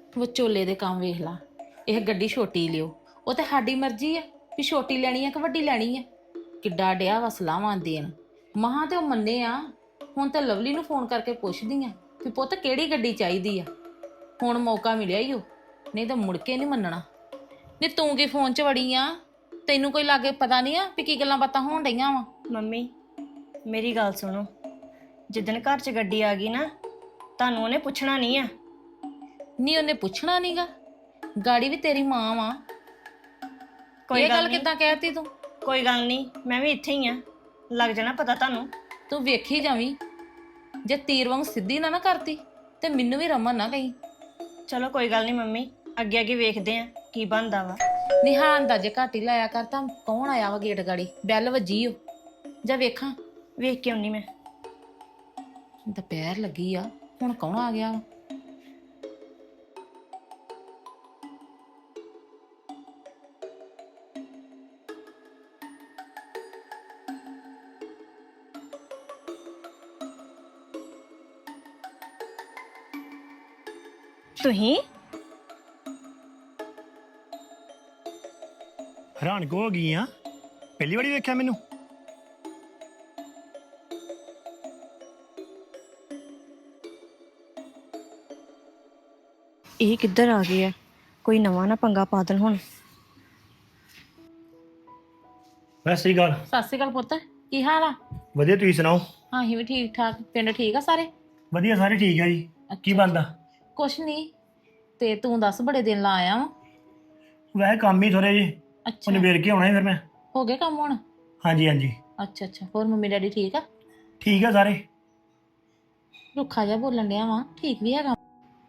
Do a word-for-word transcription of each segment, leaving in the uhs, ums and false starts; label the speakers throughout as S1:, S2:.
S1: ਵਿਚੋਲੇ ਦੇ ਕੰਮ ਵੇਖ ਲਾ। ਇਹ ਗੱਡੀ ਛੋਟੀ ਲਿਓ, ਉਹ ਤੇ ਸਾਡੀ ਮਰਜ਼ੀ ਆ ਵੀ ਛੋਟੀ ਲੈਣੀ ਆ ਕਿ ਵੱਡੀ ਲੈਣੀ ਆ। ਕਿੱਡਾ ਡਿਆ ਵਾ ਸਲਾਹਾਂ ਦੇਣ। ਮਹਾਂ ਤੇ ਉਹ ਮੰਨੇ ਆ। ਹੁਣ ਤਾਂ ਲਵਲੀ ਨੂੰ ਫੋਨ ਕਰਕੇ ਪੁੱਛਦੀ ਆ ਵੀ ਪੁੱਤ ਕਿਹੜੀ ਗੱਡੀ ਚਾਹੀਦੀ ਆ। ਹੁਣ ਮੌਕਾ ਮਿਲਿਆ ਈ ਉਹ, ਨਹੀਂ ਤਾਂ ਮੁੜ ਕੇ ਨਹੀਂ ਮੰਨਣਾ। ਨਹੀਂ ਤੂੰ ਕੀ ਫੋਨ 'ਚ ਵੜੀ ਆ? ਤੈਨੂੰ ਕੋਈ ਲਾਗੇ ਪਤਾ ਨਹੀਂ ਆ ਵੀ ਕੀ ਗੱਲਾਂ ਬਾਤਾਂ ਹੋਣ ਡਈਆਂ ਵਾ?
S2: ਮੰਮੀ ਮੇਰੀ ਗੱਲ ਸੁਣੋ, ਜਿੱਦਣ ਘਰ 'ਚ ਗੱਡੀ ਆ ਗਈ ਨਾ, ਤੁਹਾਨੂੰ ਉਹਨੇ ਪੁੱਛਣਾ ਨਹੀਂ ਆ।
S1: ਨਹੀਂ ਉਹਨੇ ਪੁੱਛਣਾ ਨਹੀਂਗਾ। ਗਾੜੀ ਵੀ ਤੇਰੀ ਮਾਂ ਵਾ।
S2: ਕੋਈ
S1: ਇਹ ਗੱਲ
S2: ਨੀ,
S1: ਕਿੱਦਾਂ ਕਹਿਤੀ ਤੂੰ?
S2: ਕੋਈ ਗੱਲ ਨਹੀਂ, ਮੈਂ ਵੀ ਇੱਥੇ ਹੀ ਆ, ਲੱਗ ਜਾਣਾ ਪਤਾ ਤੁਹਾਨੂੰ।
S1: ਤੂੰ ਵੇਖੀ ਜਾਵੀਂ, ਜੇ ਤੀਰ ਵਾਂਗ ਸਿੱਧੀ ਨਾ ਨਾ ਕਰਤੀ ਤੇ ਮੈਨੂੰ ਵੀ ਰਮਨ ਨਾ ਕਹੀਂ।
S2: ਚਲੋ ਕੋਈ ਗੱਲ ਨਹੀਂ ਮੰਮੀ, ਅੱਗੇ ਅੱਗੇ ਵੇਖਦੇ ਆ ਕੀ ਬਣਦਾ ਵਾ।
S1: ਨਿਹਾਨ ਦਾ ਜੇ ਘੱਟ ਹੀ ਲਾਇਆ ਕਰ ਤਾਂ ਕੌਣ ਆਇਆ ਵਾ ਗੇਟ ਗਾੜੀ? ਬੈਲ ਵੱਜੀ ਓ, ਜਾਂ ਵੇਖਾਂ।
S2: ਵੇਖ ਕੇ ਆਉਣੀ ਮੈਂ।
S1: ਦੁਪਹਿਰ ਲੱਗੀ ਆ, ਹੁਣ ਕੌਣ ਆ ਗਿਆ ਵਾ?
S2: ਤੁਸੀਂ
S3: ਹੈਰਾਨ ਕੋ ਹੋ ਗਈ ਆ? ਪਹਿਲੀ ਵਾਰੀ ਵੇਖਿਆ ਮੈਨੂੰ।
S2: ਇਹ ਕਿੱਧਰ ਆ ਗਏ ਆ? ਕੋਈ ਨਵਾਂ ਨਾ ਪੰਗਾ ਪਾ ਦੇਣ ਹੁਣ।
S3: ਵੈਸੇ ਹੀ ਗੱਲ
S1: ਸਤਿ ਸ਼੍ਰੀ ਅਕਾਲ ਪੁੱਤ, ਕੀ ਹਾਲ ਆ?
S3: ਵਧੀਆ, ਤੁਸੀਂ ਸੁਣਾਓ?
S1: ਹਾਂ ਅਸੀਂ ਵੀ ਠੀਕ ਠਾਕ। ਪਿੰਡ ਠੀਕ ਆ ਸਾਰੇ?
S3: ਵਧੀਆ, ਸਾਰੇ ਠੀਕ ਆ ਜੀ। ਕੀ ਬਣਦਾ?
S1: ਕੁਛ ਨਹੀਂ। ਤੇ ਤੂੰ ਦੱਸ, ਬੜੇ ਦਿਨ ਲਾ ਆਇਆ ਵਾ।
S3: ਵੈਸੇ ਕੰਮ ਹੀ ਥੋੜੇ ਜਿਹੇ,
S1: ਅੱਛਾ,
S3: ਉਹਨੇ ਵੇਰ ਕੇ ਆਉਣਾ ਸੀ ਫਿਰ ਮੈਂ।
S1: ਹੋ ਗਏ ਕੰਮ ਹੁਣ?
S3: ਹਾਂਜੀ ਹਾਂਜੀ
S1: ਅੱਛਾ ਅੱਛਾ। ਹੋਰ ਮੰਮੀ ਡੈਡੀ ਠੀਕ ਆ?
S3: ਠੀਕ ਆ ਸਾਰੇ।
S1: ਰੁੱਖਾ ਜਿਹਾ ਬੋਲਣ ਡਿਆ ਵਾ, ਠੀਕ ਵੀ ਹੈਗਾ?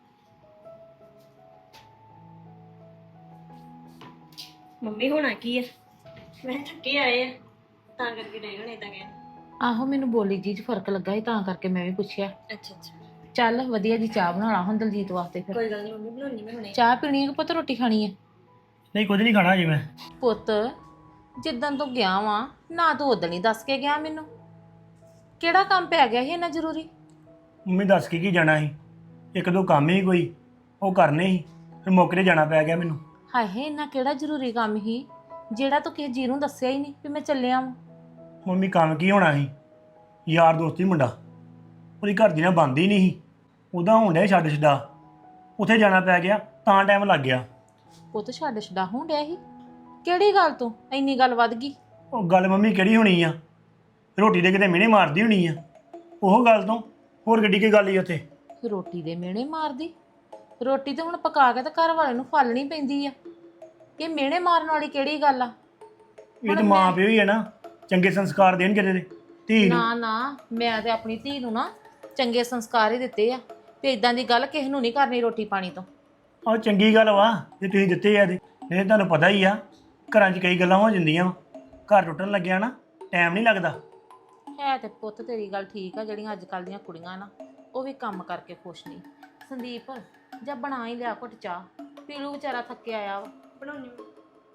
S2: ਮੰਮੀ ਹੋਣਾ ਕੀ ਆ? ਮੈਂ ਥੱਕੇ ਆਏ ਆ ਤਾਂ ਕਰਕੇ ਨਹੀਂ ਹੋਣੇ ਤਾਂ ਕਹਿ।
S1: ਆਹੋ, ਮੈਨੂੰ ਬੋਲੀ ਜੀ 'ਚ ਫਰਕ ਲੱਗਾ ਸੀ ਤਾਂ ਕਰਕੇ ਮੈਂ ਵੀ ਪੁੱਛਿਆ।
S2: ਅੱਛਾ ਅੱਛਾ,
S1: ਚੱਲ ਵਧੀਆ ਜੀ, ਚਾਹ ਬਣਾ ਲਾ ਹੁਣ ਦਲਜੀਤ ਵਾਸਤੇ। ਫਿਰ
S2: ਕੋਈ ਗੱਲ ਨਹੀਂ ਮੰਮੀ, ਬਣਾਉਣੀ ਮੈਂ ਹੁਣੇ।
S1: ਚਾਹ ਪੀਣੀ ਹੈ ਕਿ ਪੁੱਤ ਰੋਟੀ ਖਾਣੀ ਹੈ?
S3: ਨਹੀਂ, ਕੁਝ ਨਹੀਂ ਖਾਣਾ ਜੀ ਮੈਂ।
S1: ਪੁੱਤ ਜਿੱਦਣ ਤੂੰ ਗਿਆ ਵਾ ਨਾ, ਤੂੰ ਉਦਣ ਹੀ ਦੱਸ ਕੇ ਗਿਆ ਮੈਨੂੰ। ਕਿਹੜਾ ਕੰਮ ਪੈ ਗਿਆ ਸੀ ਇੰਨਾ ਜ਼ਰੂਰੀ?
S3: ਮੰਮੀ ਦੱਸ ਕੇ ਕੀ ਜਾਣਾ ਸੀ, ਇੱਕ ਦੋ ਕੰਮ ਹੀ ਕੋਈ ਉਹ ਕਰਨੇ ਸੀ, ਫਿਰ ਮੌਕੇ ਤੇ ਜਾਣਾ ਪੈ ਗਿਆ ਮੈਨੂੰ।
S1: ਹਾਏ, ਇੰਨਾ ਕਿਹੜਾ ਜ਼ਰੂਰੀ ਕੰਮ ਸੀ ਜਿਹੜਾ ਤੂੰ ਕਿਸੇ ਜੀ ਨੂੰ ਦੱਸਿਆ ਹੀ ਨਹੀਂ ਵੀ ਮੈਂ ਚੱਲਿਆ ਵਾਂ?
S3: ਮੰਮੀ ਕੰਮ ਕੀ ਹੋਣਾ ਸੀ, ਯਾਰ ਦੋਸਤੀ ਮੁੰਡਾ, ਉਹਦੀ ਘਰ ਦੀ ਨਾ ਬੰਦ ਹੀ ਨਹੀਂ ਸੀ, ਉਹਦਾ ਹੋਣ ਡਿਆ ਛੱਡ ਛਡਾ, ਉੱਥੇ ਜਾਣਾ ਪੈ ਗਿਆ ਤਾਂ ਟਾਈਮ ਲੱਗ ਗਿਆ।
S1: ਪੁੱਤ ਛੱਡ ਛਡਾ ਹੋਣ ਡਿਆ ਸੀ? ਕਿਹੜੀ ਗੱਲ ਤੋਂ ਇੰਨੀ ਗੱਲ ਵੱਧ ਗਈ?
S3: ਉਹ ਗੱਲ ਮੰਮੀ ਕਿਹੜੀ ਹੋਣੀ ਆ, ਰੋਟੀ ਦੇ ਕਿਤੇ ਮਿਹਣੇ ਮਾਰਦੀ ਹੋਣੀ ਆ, ਉਹ ਗੱਲ ਤੋਂ ਹੋਰ ਗੱਡੀ ਕੀ ਗੱਲ ਹੀ ਉੱਥੇ।
S1: ਰੋਟੀ ਦੇ ਮਿਹਣੇ ਮਾਰਦੀ? ਰੋਟੀ ਤੇ ਹੁਣ ਪਕਾ ਕੇ ਤੇ ਘਰ ਵਾਲੇ ਨੂੰ ਫਾਲਣੀ ਪੈਂਦੀ ਆ। ਇਹ ਮਿਹਣੇ ਮਾਰਨ ਵਾਲੀ ਕਿਹੜੀ ਗੱਲ ਆ?
S3: ਇਹ ਤਾਂ ਮਾਂ ਪਿਓ ਹੀ ਹੈ ਨਾ, ਚੰਗੇ ਸੰਸਕਾਰ ਦੇਣ ਕਿਤੇ ਦੇ ਧੀ ਨੂੰ।
S1: ਨਾ ਨਾ, ਮੈਂ ਤੇ ਆਪਣੀ ਧੀ ਨੂੰ ਨਾ ਚੰਗੇ ਸੰਸਕਾਰ ਹੀ ਦਿੱਤੇ ਆ ਤੇ ਇਦਾਂ ਦੀ ਗੱਲ ਕਿਸੇ ਨੂੰ ਨਹੀਂ ਕਰਨੀ ਰੋਟੀ ਪਾਣੀ ਤੋਂ।
S3: ਆਹ ਚੰਗੀ ਗੱਲ ਵਾ ਜੇ ਤੁਸੀਂ ਦਿੱਤੇ ਆ, ਇਹਦੇ ਨਹੀਂ ਤੁਹਾਨੂੰ ਪਤਾ ਹੀ ਆ ਘਰਾਂ 'ਚ ਕਈ ਗੱਲਾਂ ਹੋ ਜਾਂਦੀਆਂ ਵਾ, ਘਰ ਟੁੱਟਣ ਲੱਗਿਆ ਨਾ ਟਾਈਮ ਨਹੀਂ ਲੱਗਦਾ।
S1: ਹੈ ਤੇ ਪੁੱਤ ਤੇਰੀ ਗੱਲ ਠੀਕ ਆ, ਜਿਹੜੀਆਂ ਅੱਜ ਕੱਲ੍ਹ ਦੀਆਂ ਕੁੜੀਆਂ ਨਾ ਉਹ ਵੀ ਕੰਮ ਕਰਕੇ ਖੁਸ਼ ਨਹੀਂ। ਸੰਦੀਪ ਜਾਂ ਬਣਾ ਹੀ ਲਿਆ ਘੁੱਟ ਚਾਹ, ਪੀਲੂ ਵਿਚਾਰਾ ਥੱਕਿਆ ਆਇਆ ਵਾ।
S2: ਬਣਾਉਣੀ ਮੈਂ।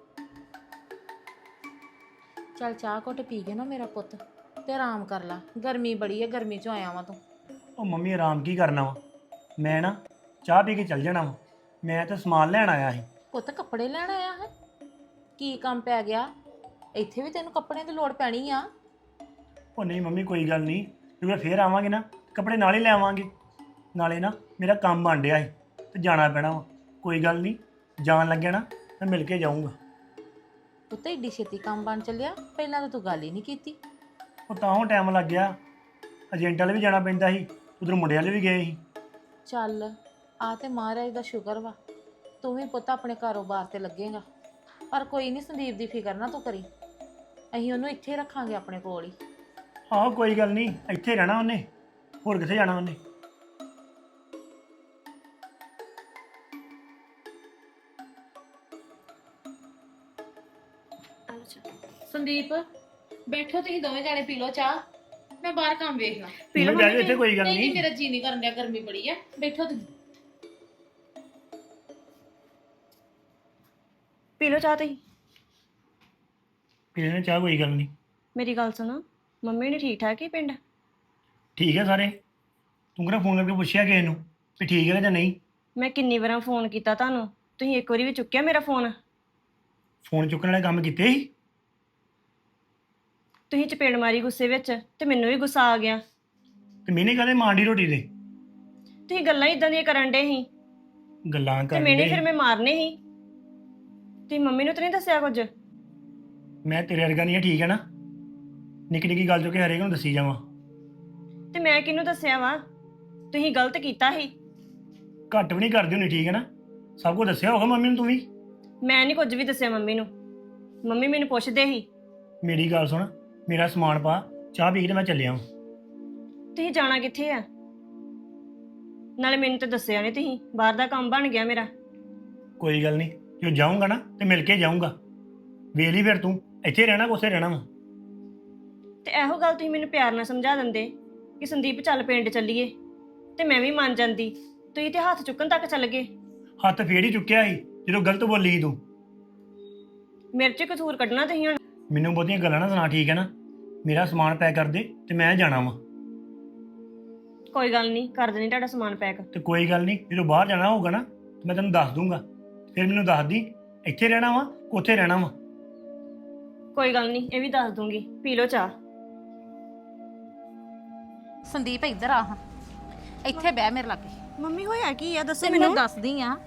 S1: ਚੱਲ ਚਾਹ ਘੁੱਟ ਪੀ ਕੇ ਨਾ ਮੇਰਾ ਪੁੱਤ ਤੇ ਆਰਾਮ ਕਰ ਲਾ, ਗਰਮੀ ਬੜੀ ਆ, ਗਰਮੀ 'ਚੋਂ ਆਇਆ ਵਾਂ ਤੂੰ।
S3: ਉਹ ਮੰਮੀ ਆਰਾਮ ਕੀ ਕਰਨਾ ਵਾ, ਮੈਂ ਨਾ ਚਾਹ ਪੀ ਕੇ ਚੱਲ ਜਾਣਾ ਵਾ, ਮੈਂ ਤਾਂ ਸਮਾਨ ਲੈਣ ਆਇਆ ਸੀ।
S1: ਪੁੱਤ ਕੱਪੜੇ ਲੈਣ ਆਇਆ ਹੈ? ਕੀ ਕੰਮ ਪੈ ਗਿਆ? ਇੱਥੇ ਵੀ ਤੈਨੂੰ ਕੱਪੜਿਆਂ ਦੀ ਲੋੜ ਪੈਣੀ ਆ।
S3: ਉਹ ਨਹੀਂ ਮੰਮੀ, ਕੋਈ ਗੱਲ ਨਹੀਂ, ਜਦੋਂ ਫੇਰ ਆਵਾਂਗੇ ਨਾ ਕੱਪੜੇ ਨਾਲ ਹੀ ਲੈ ਆਵਾਂਗੇ, ਨਾਲੇ ਨਾ ਮੇਰਾ ਕੰਮ ਬਣ ਡਿਆ ਸੀ ਤੇ ਜਾਣਾ ਪੈਣਾ ਵਾ। ਕੋਈ ਗੱਲ ਨਹੀਂ, ਜਾਣ ਲੱਗਿਆ ਨਾ ਮੈਂ ਮਿਲ ਕੇ ਜਾਊਂਗਾ।
S1: ਪੁੱਤ ਏਡੀ ਛੇਤੀ ਕੰਮ ਬਣ ਚੱਲਿਆ? ਪਹਿਲਾਂ ਤਾਂ ਤੂੰ ਗੱਲ ਹੀ ਨਹੀਂ ਕੀਤੀ।
S3: ਉਹ ਤਾਂ ਉਹ ਟਾਈਮ ਲੱਗ ਗਿਆ, ਏਜੰਟ ਵਾਲੇ ਵੀ ਜਾਣਾ ਪੈਂਦਾ ਸੀ, ਉਧਰ ਮੁੰਡੇ ਵਾਲੇ ਵੀ ਗਏ ਸੀ।
S1: ਚੱਲ ਆ ਤੇ ਮਹਾਰਾਜ ਦਾ ਸ਼ੁਕਰ ਵਾ, ਤੂੰ ਵੀ ਪੁੱਤ ਆਪਣੇ ਕਾਰੋਬਾਰ ਤੇ ਲੱਗੇਗਾ। ਪਰ ਕੋਈ ਨਹੀਂ, ਸੰਦੀਪ ਦੀ ਫਿਕਰ ਨਾ ਤੂੰ ਕਰੀ, ਅਸੀਂ ਉਹਨੂੰ ਇੱਥੇ ਰੱਖਾਂਗੇ ਆਪਣੇ ਕੋਲ ਹੀ।
S3: ਆਹੋ ਕੋਈ ਗੱਲ ਨਹੀਂ, ਇੱਥੇ ਰਹਿਣਾ ਉਹਨੇ, ਹੋਰ ਕਿੱਥੇ ਜਾਣਾ ਉਹਨੇ।
S1: ਸੰਦੀਪ ਬੈਠੋ, ਤੁਸੀਂ ਦੋਵੇਂ ਜਾਣੇ ਪੀ ਲਓ ਚਾਹ, ਮੈਂ ਬਾਹਰ ਕੰਮ ਵੇਖ ਲਾਂ।
S3: ਪੀ ਲਓ ਬੈਠੋ ਇੱਥੇ, ਕੋਈ ਗੱਲ
S1: ਨਹੀਂ
S3: ਨਹੀਂ।
S1: ਮੇਰਾ ਜੀ ਨਹੀਂ ਕਰਨ ਡਿਆ, ਗਰਮੀ ਬੜੀ ਆ, ਬੈਠੋ ਤੁਸੀਂ।
S2: ਪੀ ਲਓ ਚਾਹ ਤੁਸੀਂ।
S3: ਪੀ ਲੈਣੇ ਚਾਹ, ਕੋਈ ਗੱਲ ਨਹੀਂ।
S2: ਮੇਰੀ ਗੱਲ ਸੁਣੋ, ਮੰਮੀ ਨੇ ਠੀਕ ਠਾਕ ਹੀ ਪਿੰਡ?
S3: ਠੀਕ ਹੈ ਸਾਰੇ। ਤੂੰ ਕਿਹੜਾ ਫੋਨ ਕਰਕੇ ਪੁੱਛਿਆ ਕਿਸੇ ਨੂੰ ਵੀ ਠੀਕ ਹੈ ਜਾਂ ਨਹੀਂ?
S2: ਮੈਂ ਕਿੰਨੀ ਵਾਰਾਂ ਫੋਨ ਕੀਤਾ ਤੁਹਾਨੂੰ, ਤੁਸੀਂ ਇੱਕ ਵਾਰੀ ਵੀ ਚੁੱਕਿਆ ਮੇਰਾ ਫੋਨ?
S3: ਫੋਨ ਚੁੱਕਣ ਵਾਲੇ ਕੰਮ ਕੀਤੇ ਸੀ?
S2: ਤੁਸੀਂ ਚਪੇੜ ਮਾਰੀ ਗੁੱਸੇ ਵਿੱਚ ਤੇ ਮੈਨੂੰ ਵੀ ਗੁੱਸਾ ਆ ਗਿਆ।
S3: ਤੇ ਮੈਨੇ ਕਹਦੇ ਮਾਂਡੀ ਰੋਟੀ ਦੇ
S2: ਤੁਸੀਂ ਗੱਲਾਂ ਇਦਾਂ ਦੀਆਂ ਕਰਨ ਡੇ ਸੀ
S3: ਗੱਲਾਂ
S2: ਤੇ
S3: ਕਰਨ
S2: ਮੈਨੇ
S3: ਦੇ
S2: ਫਿਰ ਮੈਂ ਮਾਰਨੇ ਸੀ। ਤੁਸੀਂ ਮੰਮੀ ਨੂੰ ਤਾਂ ਨਹੀਂ ਦੱਸਿਆ ਕੁਝ?
S3: ਮੈਂ ਤੇਰੇ ਵਰਗਾ ਨਹੀਂ ਆ, ਠੀਕ ਹੈ ਨਾ? ਨਿੱਕੀ ਨਿੱਕੀ ਗੱਲ ਜੋ ਕਿ ਹਰੇਕ ਨੂੰ ਦੱਸੀ ਜਾਵਾਂ।
S2: ਤੇ ਮੈਂ ਕਿਹਨੂੰ ਦੱਸਿਆ ਵਾ? ਤੁਸੀਂ ਗਲਤ ਕੀਤਾ ਸੀ।
S3: ਘੱਟ ਵੀ ਨਹੀਂ ਕਰਦੀ ਹੁੰਦੀ, ਠੀਕ ਹੈ ਨਾ? ਸਭ ਕੁਝ ਦੱਸਿਆ ਹੋਗਾ ਮੰਮੀ ਨੂੰ ਤੂੰ ਵੀ।
S2: ਮੈਂ ਨਹੀਂ ਕੁਝ ਵੀ ਦੱਸਿਆ ਮੰਮੀ ਨੂੰ। ਮੰਮੀ ਮੈਨੂੰ ਪੁੱਛਦੇ ਸੀ।
S3: ਮੇਰੀ ਗੱਲ ਸੁਣ, ਮੇਰਾ ਸਮਾਨ ਪਾ, ਚਾਹ ਪੀ ਕੇ ਤੇ ਮੈਂ ਚੱਲਿਆ ਹਾਂ।
S2: ਤੁਸੀਂ ਜਾਣਾ ਕਿੱਥੇ ਆ? ਨਾਲੇ ਮੈਨੂੰ ਤਾਂ ਦੱਸਿਆ ਨਹੀਂ ਤੁਸੀਂ, ਬਾਹਰ ਦਾ ਕੰਮ ਬਣ ਗਿਆ ਮੇਰਾ।
S3: ਕੋਈ ਗੱਲ ਨਹੀਂ, ਜੋ ਜਾਊਂਗਾ ਨਾ ਤੇ ਮਿਲ ਕੇ ਜਾਊਂਗਾ। ਵੇਖ ਲਈ ਫਿਰ ਤੂੰ ਇੱਥੇ ਰਹਿਣਾ ਕੋਸੇ ਰਹਿਣਾ ਵਾ।
S2: ਤੇ ਇਹੋ ਗੱਲ ਤੁਸੀਂ ਮੈਨੂੰ ਪਿਆਰ ਨਾਲ ਸਮਝਾ ਦਿੰਦੇ ਕਿ ਸੰਦੀਪ ਚੱਲ ਪਿੰਡ ਚੱਲੀਏ ਤੇ ਮੈਂ ਵੀ ਮੰਨ ਜਾਂਦੀ। ਤੁਸੀਂ ਤੇ ਹੱਥ ਚੁੱਕਣ ਤੱਕ ਚੱਲ ਗਏ।
S3: ਹੱਥ ਫੇਰ ਹੀ ਚੁੱਕਿਆ ਸੀ ਜਦੋਂ ਗਲਤ ਬੋਲੀ ਸੀ ਤੂੰ।
S2: ਮੇਰੇ 'ਚ ਕਸੂਰ ਕੱਢਣਾ ਤੁਸੀਂ ਹੁਣ।
S3: ਮੈਨੂੰ ਬਹੁਤੀਆਂ ਗੱਲਾਂ ਨਾ ਸੁਣਾ, ਠੀਕ ਹੈ ਨਾ? ਮੇਰਾ ਸਮਾਨ ਪੈਕ ਕਰ ਦੇ ਤੇ ਮੈਂ ਜਾਣਾ ਵਾ।
S2: ਕੋਈ ਗੱਲ ਨਹੀਂ, ਕਰ ਦੇਣੀ ਤੁਹਾਡਾ ਸਮਾਨ ਪੈਕ।
S3: ਤੇ ਕੋਈ ਗੱਲ ਨਹੀਂ, ਜਦੋਂ ਬਾਹਰ ਜਾਣਾ ਹੋਊਗਾ ਨਾ ਤੇ ਮੈਂ ਤੈਨੂੰ ਦੱਸ ਦੂੰਗਾ। ਫਿਰ ਮੈਨੂੰ ਦੱਸ ਦੀ ਇੱਥੇ ਰਹਿਣਾ ਵਾ ਉੱਥੇ ਰਹਿਣਾ ਵਾ।
S2: ਕੋਈ ਗੱਲ ਨਹੀਂ, ਇਹ ਵੀ ਦੱਸ ਦੂੰਗੀ। ਪੀ ਲਓ ਚਾਹ।
S1: ਸੰਦੀਪ ਇੱਧਰ ਆ ਹਾਂ, ਇੱਥੇ ਬਹਿ ਮੇਰੇ ਲਾਗੇ।
S2: ਮੰਮੀ ਹੋਇਆ ਕੀ ਆ? ਦੱਸੋ
S1: ਮੈਨੂੰ ਦੱਸਦੀ ਆ,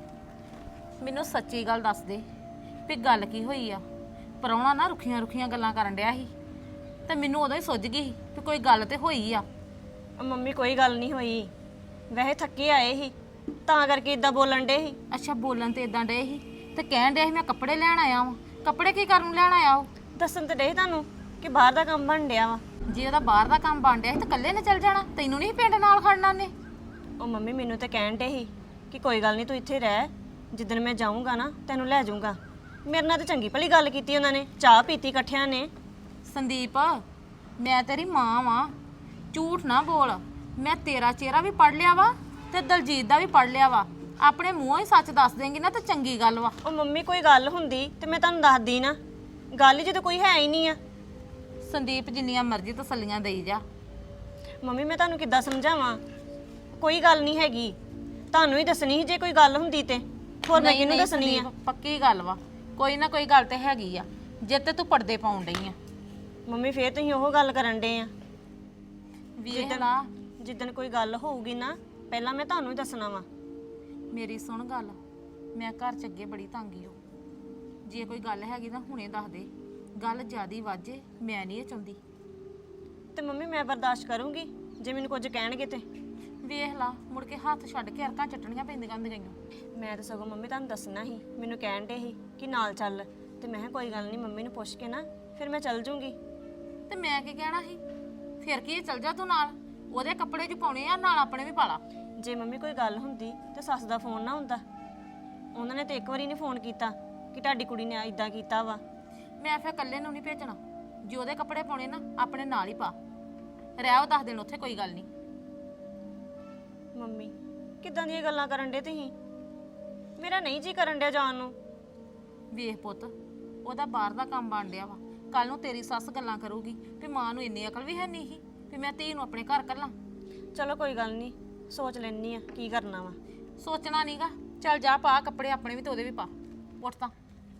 S1: ਮੈਨੂੰ ਸੱਚੀ ਗੱਲ ਦੱਸ ਦੇ ਵੀ ਗੱਲ ਕੀ ਹੋਈ ਆ। ਪ੍ਰਾਹੁਣਾ ਨਾ ਰੁੱਖੀਆਂ ਰੁੱਖੀਆਂ ਗੱਲਾਂ ਕਰਨ ਡਿਆ ਸੀ ਤੇ ਮੈਨੂੰ ਉਦੋਂ ਹੀ ਸੁੱਝ ਗਈ ਸੀ ਵੀ ਕੋਈ ਗੱਲ ਤੇ ਹੋਈ ਆ।
S2: ਮੰਮੀ ਕੋਈ ਗੱਲ ਨਹੀਂ ਹੋਈ, ਵੈਸੇ ਥੱਕੇ ਆਏ ਸੀ ਤਾਂ ਕਰਕੇ ਇਦਾਂ ਬੋਲਣ ਡੇ ਸੀ।
S1: ਅੱਛਾ, ਬੋਲਣ ਤੇ ਇਦਾਂ ਡੇ ਸੀ ਤੇ ਕਹਿਣ ਡਿਆ ਸੀ ਮੈਂ ਕੱਪੜੇ ਲੈਣ ਆਇਆ ਵਾਂ। ਕੱਪੜੇ ਕੀ ਕਰਨ ਨੂੰ ਲੈਣ ਆਇਆ ਉਹ?
S2: ਦੱਸਣ ਤੇ ਡੇ ਤੁਹਾਨੂੰ ਕਿ ਬਾਹਰ ਦਾ ਕੰਮ ਬਣ ਡਿਆ ਵਾ।
S1: ਜੇ ਉਹਦਾ ਬਾਹਰ ਦਾ ਕੰਮ ਬਣ ਡਿਆ ਸੀ ਤਾਂ ਇਕੱਲੇ ਨੇ ਚੱਲ ਜਾਣਾ, ਤੈਨੂੰ ਨਹੀਂ ਪਿੰਡ ਨਾਲ ਖੜਨਾ ਨੇ?
S2: ਉਹ ਮੰਮੀ ਮੈਨੂੰ ਤਾਂ ਕਹਿਣ ਡੇ ਸੀ ਕਿ ਕੋਈ ਗੱਲ ਨਹੀਂ ਤੂੰ ਇੱਥੇ ਰਹਿ, ਜਿੱਦਣ ਮੈਂ ਜਾਊਂਗਾ ਨਾ ਤੈਨੂੰ ਲੈ ਜਾਊਂਗਾ। ਮੇਰੇ ਨਾਲ ਤਾਂ ਚੰਗੀ ਭਲੀ ਗੱਲ ਕੀਤੀ ਉਹਨਾਂ ਨੇ, ਚਾਹ ਪੀਤੀ ਇਕੱਠਿਆਂ ਨੇ।
S1: ਸੰਦੀਪ, ਮੈਂ ਤੇਰੀ ਮਾਂ ਵਾਂ, ਝੂਠ ਨਾ ਬੋਲ। ਮੈਂ ਤੇਰਾ ਚਿਹਰਾ ਵੀ ਪੜ ਲਿਆ ਵਾ ਤੇ ਦਲਜੀਤ ਦਾ ਵੀ ਪੜ ਲਿਆ ਵਾ। ਆਪਣੇ ਮੂੰਹੋਂ ਹੀ ਸੱਚ ਦੱਸ ਦੇਂਗੀ ਨਾ ਤਾਂ ਚੰਗੀ ਗੱਲ ਵਾ।
S2: ਉਹ ਮੰਮੀ ਕੋਈ ਗੱਲ ਹੁੰਦੀ ਤੇ ਮੈਂ ਤੁਹਾਨੂੰ ਦੱਸਦੀ ਨਾ, ਗੱਲ ਹੀ ਜਦੋਂ ਕੋਈ ਹੈ ਹੀ ਨਹੀਂ ਆ।
S1: ਸੰਦੀਪ, ਜਿੰਨੀਆਂ ਮਰਜ਼ੀ ਤਸੱਲੀਆਂ ਦੇਈ ਜਾ।
S2: ਮੰਮੀ ਮੈਂ ਤੁਹਾਨੂੰ ਕਿੱਦਾਂ ਸਮਝਾਵਾਂ? ਕੋਈ ਗੱਲ ਨਹੀਂ ਹੈਗੀ, ਤੁਹਾਨੂੰ ਹੀ ਦੱਸਣੀ ਸੀ ਜੇ ਕੋਈ ਗੱਲ ਹੁੰਦੀ ਤੇ। ਹੋਰ ਮੈਂ ਕਿਹਨੂੰ ਦੱਸਣੀ ਆ?
S1: ਸੰਦੀਪ, ਪੱਕੀ ਗੱਲ ਵਾ, ਕੋਈ ਨਾ ਕੋਈ ਗੱਲ ਤੇ ਹੈਗੀ ਆ ਜੇ ਤੇ ਤੂੰ ਪਰਦੇ ਪਾਉਣ ਡਈ ਆ।
S2: ਮੰਮੀ ਫੇਰ ਤੁਸੀਂ ਉਹ ਗੱਲ ਕਰਨ ਡੇ ਆ।
S1: ਵੇਖ ਲਾ,
S2: ਜਿੱਦਣ ਕੋਈ ਗੱਲ ਹੋਊਗੀ ਨਾ ਪਹਿਲਾਂ ਮੈਂ ਤੁਹਾਨੂੰ ਹੀ ਦੱਸਣਾ ਵਾ।
S1: ਮੇਰੀ ਸੁਣ ਗੱਲ, ਮੈਂ ਘਰ ਚ ਅੱਗੇ ਬੜੀ ਤੰਗੀ ਹੋ। ਜੇ ਕੋਈ ਗੱਲ ਹੈਗੀ ਤਾਂ ਹੁਣੇ ਦੱਸ ਦੇ, ਗੱਲ ਜ਼ਿਆਦੀ ਵਾਜੇ ਮੈਂ ਨਹੀਂ ਇਹ ਚਾਹੁੰਦੀ।
S2: ਤੇ ਮੰਮੀ ਮੈਂ ਬਰਦਾਸ਼ਤ ਕਰੂੰਗੀ ਜੇ ਮੈਨੂੰ ਕੁਝ ਕਹਿਣਗੇ ਤੇ।
S1: ਵੇਖ ਲਾ, ਮੁੜ ਕੇ ਹੱਥ ਛੱਡ ਕੇ ਅਰਕਾਂ ਚੱਟਣੀਆਂ ਪੈਂਦੀਆਂ ਹੁੰਦੀਆਂ।
S2: ਮੈਂ ਤਾਂ ਸਗੋਂ ਮੰਮੀ ਤੁਹਾਨੂੰ ਦੱਸਣਾ ਸੀ, ਮੈਨੂੰ ਕਹਿਣ ਡੇ ਸੀ ਕਿ ਨਾਲ ਚੱਲ, ਤੇ ਮੈਂ ਕਿਹਾ ਕੋਈ ਗੱਲ ਨਹੀਂ ਮੰਮੀ ਨੂੰ ਪੁੱਛ ਕੇ ਨਾ ਫਿਰ ਮੈਂ ਚੱਲ ਜੂੰਗੀ।
S1: ਤੇ ਮੈਂ ਕੀ ਕਹਿਣਾ ਸੀ? ਫਿਰ ਕੀ ਚੱਲ ਜਾ ਤੂੰ ਨਾਲ, ਉਹਦੇ ਕੱਪੜੇ ਚ ਪਾਉਣੇ ਆ, ਨਾਲ ਆਪਣੇ ਵੀ ਪਾ ਲਾ।
S2: ਜੇ ਮੰਮੀ ਕੋਈ ਗੱਲ ਹੁੰਦੀ ਤੇ ਸੱਸ ਦਾ ਫੋਨ ਨਾ ਹੁੰਦਾ। ਉਹਨਾਂ ਨੇ ਤੇ ਇੱਕ ਵਾਰੀ ਨਹੀਂ ਫੋਨ ਕੀਤਾ ਕਿ ਤੁਹਾਡੀ ਕੁੜੀ ਨੇ ਇਦਾਂ ਕੀਤਾ ਵਾ।
S1: ਮੈਂ ਫਿਰ ਇਕੱਲੇ ਨੂੰ ਨਹੀਂ ਭੇਜਣਾ, ਜੇ ਉਹਦੇ ਕੱਪੜੇ ਪਾਉਣੇ ਨਾ ਆਪਣੇ ਨਾਲ ਹੀ ਪਾ, ਰਹਿ ਉਹ ਦਸ ਦਿਨ ਉੱਥੇ, ਕੋਈ ਗੱਲ ਨਹੀਂ।
S2: ਮੰਮੀ ਕਿੱਦਾਂ ਦੀਆਂ ਗੱਲਾਂ ਕਰਨ ਡੇ ਤੁਸੀਂ? ਮੇਰਾ ਨਹੀਂ ਜੀ ਕਰਨ ਡਿਆ ਜਾਣ ਨੂੰ।
S1: ਵੇਖ ਪੁੱਤ, ਉਹਦਾ ਬਾਹਰ ਦਾ ਕੰਮ ਬਣ ਡਿਆ ਵਾ, ਕੱਲ ਨੂੰ ਤੇਰੀ ਸੱਸ ਗੱਲਾਂ ਕਰੂਗੀ ਵੀ ਮਾਂ ਨੂੰ ਇੰਨੀ ਅਕਲ ਵੀ ਹੈ ਨਹੀਂ ਸੀ ਵੀ ਮੈਂ ਧੀ ਨੂੰ ਆਪਣੇ ਘਰ ਕੱਲਾਂ।
S2: ਚਲੋ ਕੋਈ ਗੱਲ ਨਹੀਂ, ਸੋਚ ਲੈਣੀ ਆ ਕੀ ਕਰਨਾ ਵਾ।
S1: ਸੋਚਣਾ ਨਹੀਂਗਾ, ਚੱਲ ਜਾ ਪਾ ਕੱਪੜੇ ਆਪਣੇ ਵੀ ਤੇ ਉਹਦੇ ਵੀ ਪਾ, ਉੱਠ ਤਾਂ।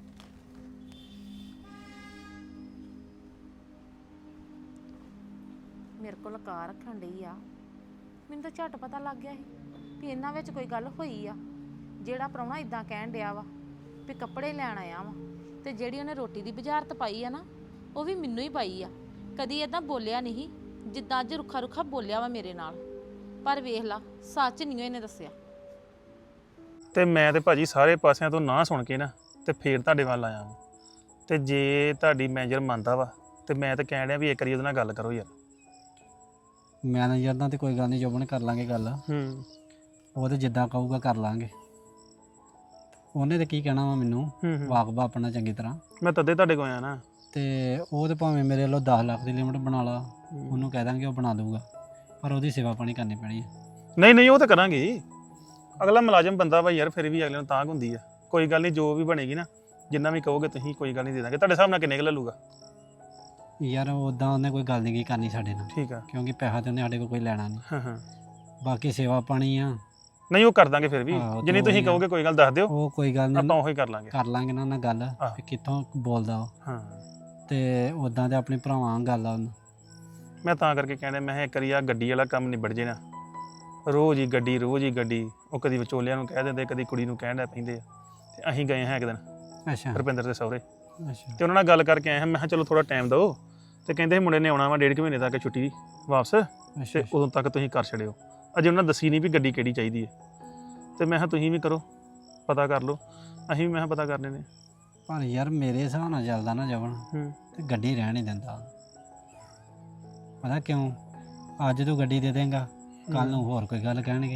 S1: ਮੇਰੇ ਕੋਲ ਕਾਰ ਰੱਖਣ ਡਈ ਆ, ਮੈਨੂੰ ਤਾਂ ਝੱਟ ਪਤਾ ਲੱਗ ਗਿਆ ਸੀ ਵੀ ਇਹਨਾਂ ਵਿੱਚ ਕੋਈ ਗੱਲ ਹੋਈ ਆ। ਜਿਹੜਾ ਪ੍ਰਾਹੁਣਾ ਇਦਾਂ ਕਹਿਣ ਡਿਆ ਵਾ ਵੀ ਕੱਪੜੇ ਲੈਣ ਆਇਆ ਵਾ, ਤੇ ਜਿਹੜੀ ਉਹਨੇ ਰੋਟੀ ਦੀ ਬੁਝਾਰਤ ਪਾਈ ਆ ਨਾ, ਉਹ ਵੀ ਮੈਨੂੰ ਹੀ ਪਾਈ ਆ। ਕਦੀ ਇਦਾਂ ਬੋਲਿਆ ਨਹੀਂ ਜਿੱਦਾਂ ਅੱਜ ਰੁੱਖਾ ਰੁੱਖਾ ਬੋਲਿਆ ਵਾ ਮੇਰੇ ਨਾਲ। ਪਰ ਵੇਖ ਲਾ, ਸੱਚ ਨਹੀਂ ਇਹਨੇ ਦੱਸਿਆ।
S4: ਤੇ ਮੈਂ ਤੇ ਭਾਜੀ ਸਾਰੇ ਪਾਸਿਆਂ ਤੋਂ ਨਾ ਸੁਣ ਕੇ ਨਾ ਤੇ ਫੇਰ ਤੁਹਾਡੇ ਵੱਲ ਆਇਆ ਵਾਂ। ਤੇ ਜੇ ਤੁਹਾਡੀ ਮੈਨੇਜਰ ਮੰਨਦਾ ਵਾ ਤੇ ਮੈਂ ਤਾਂ ਕਹਿਣ ਡਿਆ ਵੀ ਇੱਕ ਵਾਰੀ ਉਹਦੇ ਨਾਲ ਗੱਲ ਕਰੋ ਯਾਰ।
S5: ਮੈਨੇਜਰ ਨਾਲ ਤੇ ਕੋਈ ਗੱਲ ਨਹੀਂ, ਜੋਬਨ ਕਰ ਲਾਂਗੇ ਗੱਲ।
S4: ਹੂੰ
S5: ਉਹ ਤੇ ਜਿੱਦਾਂ ਕਹੂਗਾ ਕਰ ਲਾਂਗੇ। ਉਹਨੇ ਤੇ ਕੀ ਕਹਿਣਾ ਵਾ ਮੈਨੂੰ,
S4: ਹੂੰ ਹੂੰ।
S5: ਵਾਕਬਾ ਆਪਣਾ ਚੰਗੀ ਤਰ੍ਹਾਂ।
S4: ਮੈਂ ਤਦੇ ਤੁਹਾਡੇ ਕੋਲ ਆਇਆ ਨਾ।
S5: ਤੇ ਉਹ ਤੇ ਭਾਵੇਂ ਮੇਰੇ ਵੱਲੋਂ ਦਸ ਲੱਖ ਦੀ ਲਿਮਟ ਬਣਾ ਲਾ, ਉਹਨੂੰ ਕਹਿ ਦਾਂਗੇ ਉਹ ਬਣਾ ਦਊਗਾ, ਪਰ ਉਹਦੀ ਸੇਵਾ ਪਾਣੀ ਕਰਨੀ ਪੈਣੀ ਹੈ।
S4: ਨਹੀਂ ਨਹੀਂ, ਉਹ ਤਾਂ ਕਰਾਂਗੇ ਹੀ। ਅਗਲਾ ਮੁਲਾਜ਼ਮ ਬੰਦਾ ਵਾ ਯਾਰ, ਫਿਰ ਵੀ ਅਗਲੇ ਨੂੰ ਤਾਂਘ ਹੁੰਦੀ ਆ। ਕੋਈ ਗੱਲ ਨਹੀਂ, ਜੋ ਵੀ ਬਣੇਗੀ ਨਾ, ਜਿੰਨਾ ਵੀ ਕਹੋਗੇ ਤੁਸੀਂ, ਕੋਈ ਗੱਲ ਨਹੀਂ ਦੇ ਦਾਂਗੇ। ਤੁਹਾਡੇ ਹਿਸਾਬ ਨਾਲ ਕਿੰਨੇ ਕੁ ਲੈ ਲੂਗਾ?
S5: ਯਾਰ ਉੱਦਾਂ ਉਹਨੇ ਕੋਈ ਗੱਲ ਨਹੀਂ ਕੀ ਕਰਨੀ ਸਾਡੇ ਨਾਲ,
S4: ਠੀਕ ਆ।
S5: ਕਿਉਂਕਿ ਪੈਸਾ ਤੇ ਉਹਨੇ ਸਾਡੇ ਕੋਲ ਕੋਈ ਲੈਣਾ ਨਹੀਂ।
S4: ਹਾਂ ਹਾਂ।
S5: ਬਾਕੀ ਸੇਵਾ ਪਾਣੀ ਆ
S4: ਨਹੀਂ ਉਹ ਕਰ ਦਾਂਗੇ ਫਿਰ ਵੀ
S5: ਆਹੋ, ਤੇ
S4: ਜਿੰਨੀ ਤੁਸੀਂ
S5: ਉਹੀ ਆ।
S4: ਕਹੋਗੇ ਕੋਈ ਗੱਲ ਦੱਸ ਦਿਓ
S5: ਉਹ ਕੋਈ ਗੱਲ
S4: ਆਪਾਂ
S5: ਨਹੀਂ
S4: ਉਹੀ ਕਰ ਲਾਂਗੇ।
S5: ਕਰ ਲਾਂਗੇ ਨਾ ਉਹਨਾਂ ਗੱਲ
S4: ਆਹ।
S5: ਵੀ ਕਿੱਥੋਂ ਬੋਲਦਾ ਉਹ
S4: ਹਾਂ
S5: ਤੇ ਉਦਾਂ ਤੇ ਆਪਣੇ ਭਰਾਵਾਂ ਨਾਲ ਗੱਲ ਆ ਉਹਨੂੰ
S4: ਮੈਂ ਤਾਂ ਕਰਕੇ ਕਹਿੰਦਾ ਮੈਂ ਕਿਹਾ ਇੱਕ ਵਾਰੀ ਆ ਗੱਡੀ ਵਾਲਾ ਕੰਮ ਨਿਬੜ ਜੇ ਨਾ ਰੋਜ਼ ਹੀ ਗੱਡੀ ਰੋਜ਼ ਹੀ ਗੱਡੀ ਉਹ ਕਦੀ ਵਿਚੋਲਿਆਂ ਨੂੰ ਕਹਿ ਦਿੰਦੇ ਕਦੀ ਕੁੜੀ ਨੂੰ ਕਹਿਣ ਲੱਗ ਪੈਂਦੇ ਆ ਤੇ ਅਸੀਂ ਗਏ ਹਾਂ ਇੱਕ ਦਿਨ
S5: ਅੱਛਾ
S4: ਰੁਪਿੰਦਰ ਦੇ ਸਹੁਰੇ
S5: ਅੱਛਾ
S4: ਤੇ ਉਹਨਾਂ ਨਾਲ ਗੱਲ ਕਰਕੇ ਆਏ ਹਾਂ ਮੈਂ ਕਿਹਾ ਚਲੋ ਥੋੜਾ ਟਾਈਮ ਦਿਓ ਤੇ ਕਹਿੰਦੇ ਮੁੰਡੇ ਨੇ ਆਉਣਾ ਵਾ ਡੇਢ ਕੁ ਮਹੀਨੇ ਤੱਕ ਛੁੱਟੀ ਵਾਪਸ
S5: ਅੱਛਾ
S4: ਤੇ ਉਦੋਂ ਤੱਕ ਤੁਸੀਂ ਕਰ ਛੜਿਓ ਅਜੇ ਉਹਨਾਂ ਦੱਸੀ ਨਹੀਂ ਵੀ ਗੱਡੀ ਕਿਹੜੀ ਚਾਹੀਦੀ ਹੈ ਤੇ ਮੈਂ ਕਿਹਾ ਤੁਸੀਂ ਵੀ ਕਰੋ ਪਤਾ ਕਰ ਲਓ ਅਸੀਂ ਵੀ ਮੈਂ ਕਿਹਾ ਪਤਾ ਕਰਨੇ ਨੇ।
S5: ਪਰ ਯਾਰ ਮੇਰੇ ਹਿਸਾਬ ਨਾਲ ਚੱਲਦਾ ਨਾ ਜਵਨ
S4: ਹੂੰ
S5: ਤੇ ਗੱਡੀ ਰਹਿਣ ਨਹੀਂ ਦਿੰਦਾ ਪਤਾ ਕਿਉਂ ਅੱਜ ਤੂੰ ਗੱਡੀ ਦੇ ਦੇਂਗਾ ਕੱਲ ਨੂੰ ਹੋਰ ਕੋਈ ਗੱਲ ਕਹਿਣਗੇ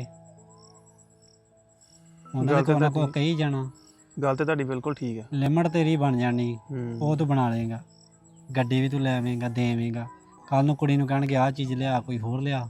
S5: ਉਹਨਾਂ
S4: ਗੱਲ
S5: ਨੇ
S4: ਤੇ
S5: ਕੋਈ ਨਾ ਕੋਈ
S4: ਤੁਹਾਡੀ-
S5: ਕਹੀ ਜਾਣਾ
S4: ਗੱਲ ਤੇ ਤੁਹਾਡੀ ਬਿਲਕੁਲ ਠੀਕ ਹੈ।
S5: ਲਿਮਟ ਤੇਰੀ ਬਣ ਜਾਣੀ
S4: ਹੂੰ
S5: ਉਹ ਤੂੰ ਬਣਾ ਲਏਗਾ ਗੱਡੀ ਵੀ ਤੂੰ ਲੈ ਆਵੇਂਗਾ ਦੇਵੇਂਗਾ ਕੱਲ ਨੂੰ ਕੁੜੀ ਨੂੰ ਕਹਿਣਗੇ ਆਹ ਚੀਜ਼ ਲਿਆ ਕੋਈ ਹੋਰ ਲਿਆ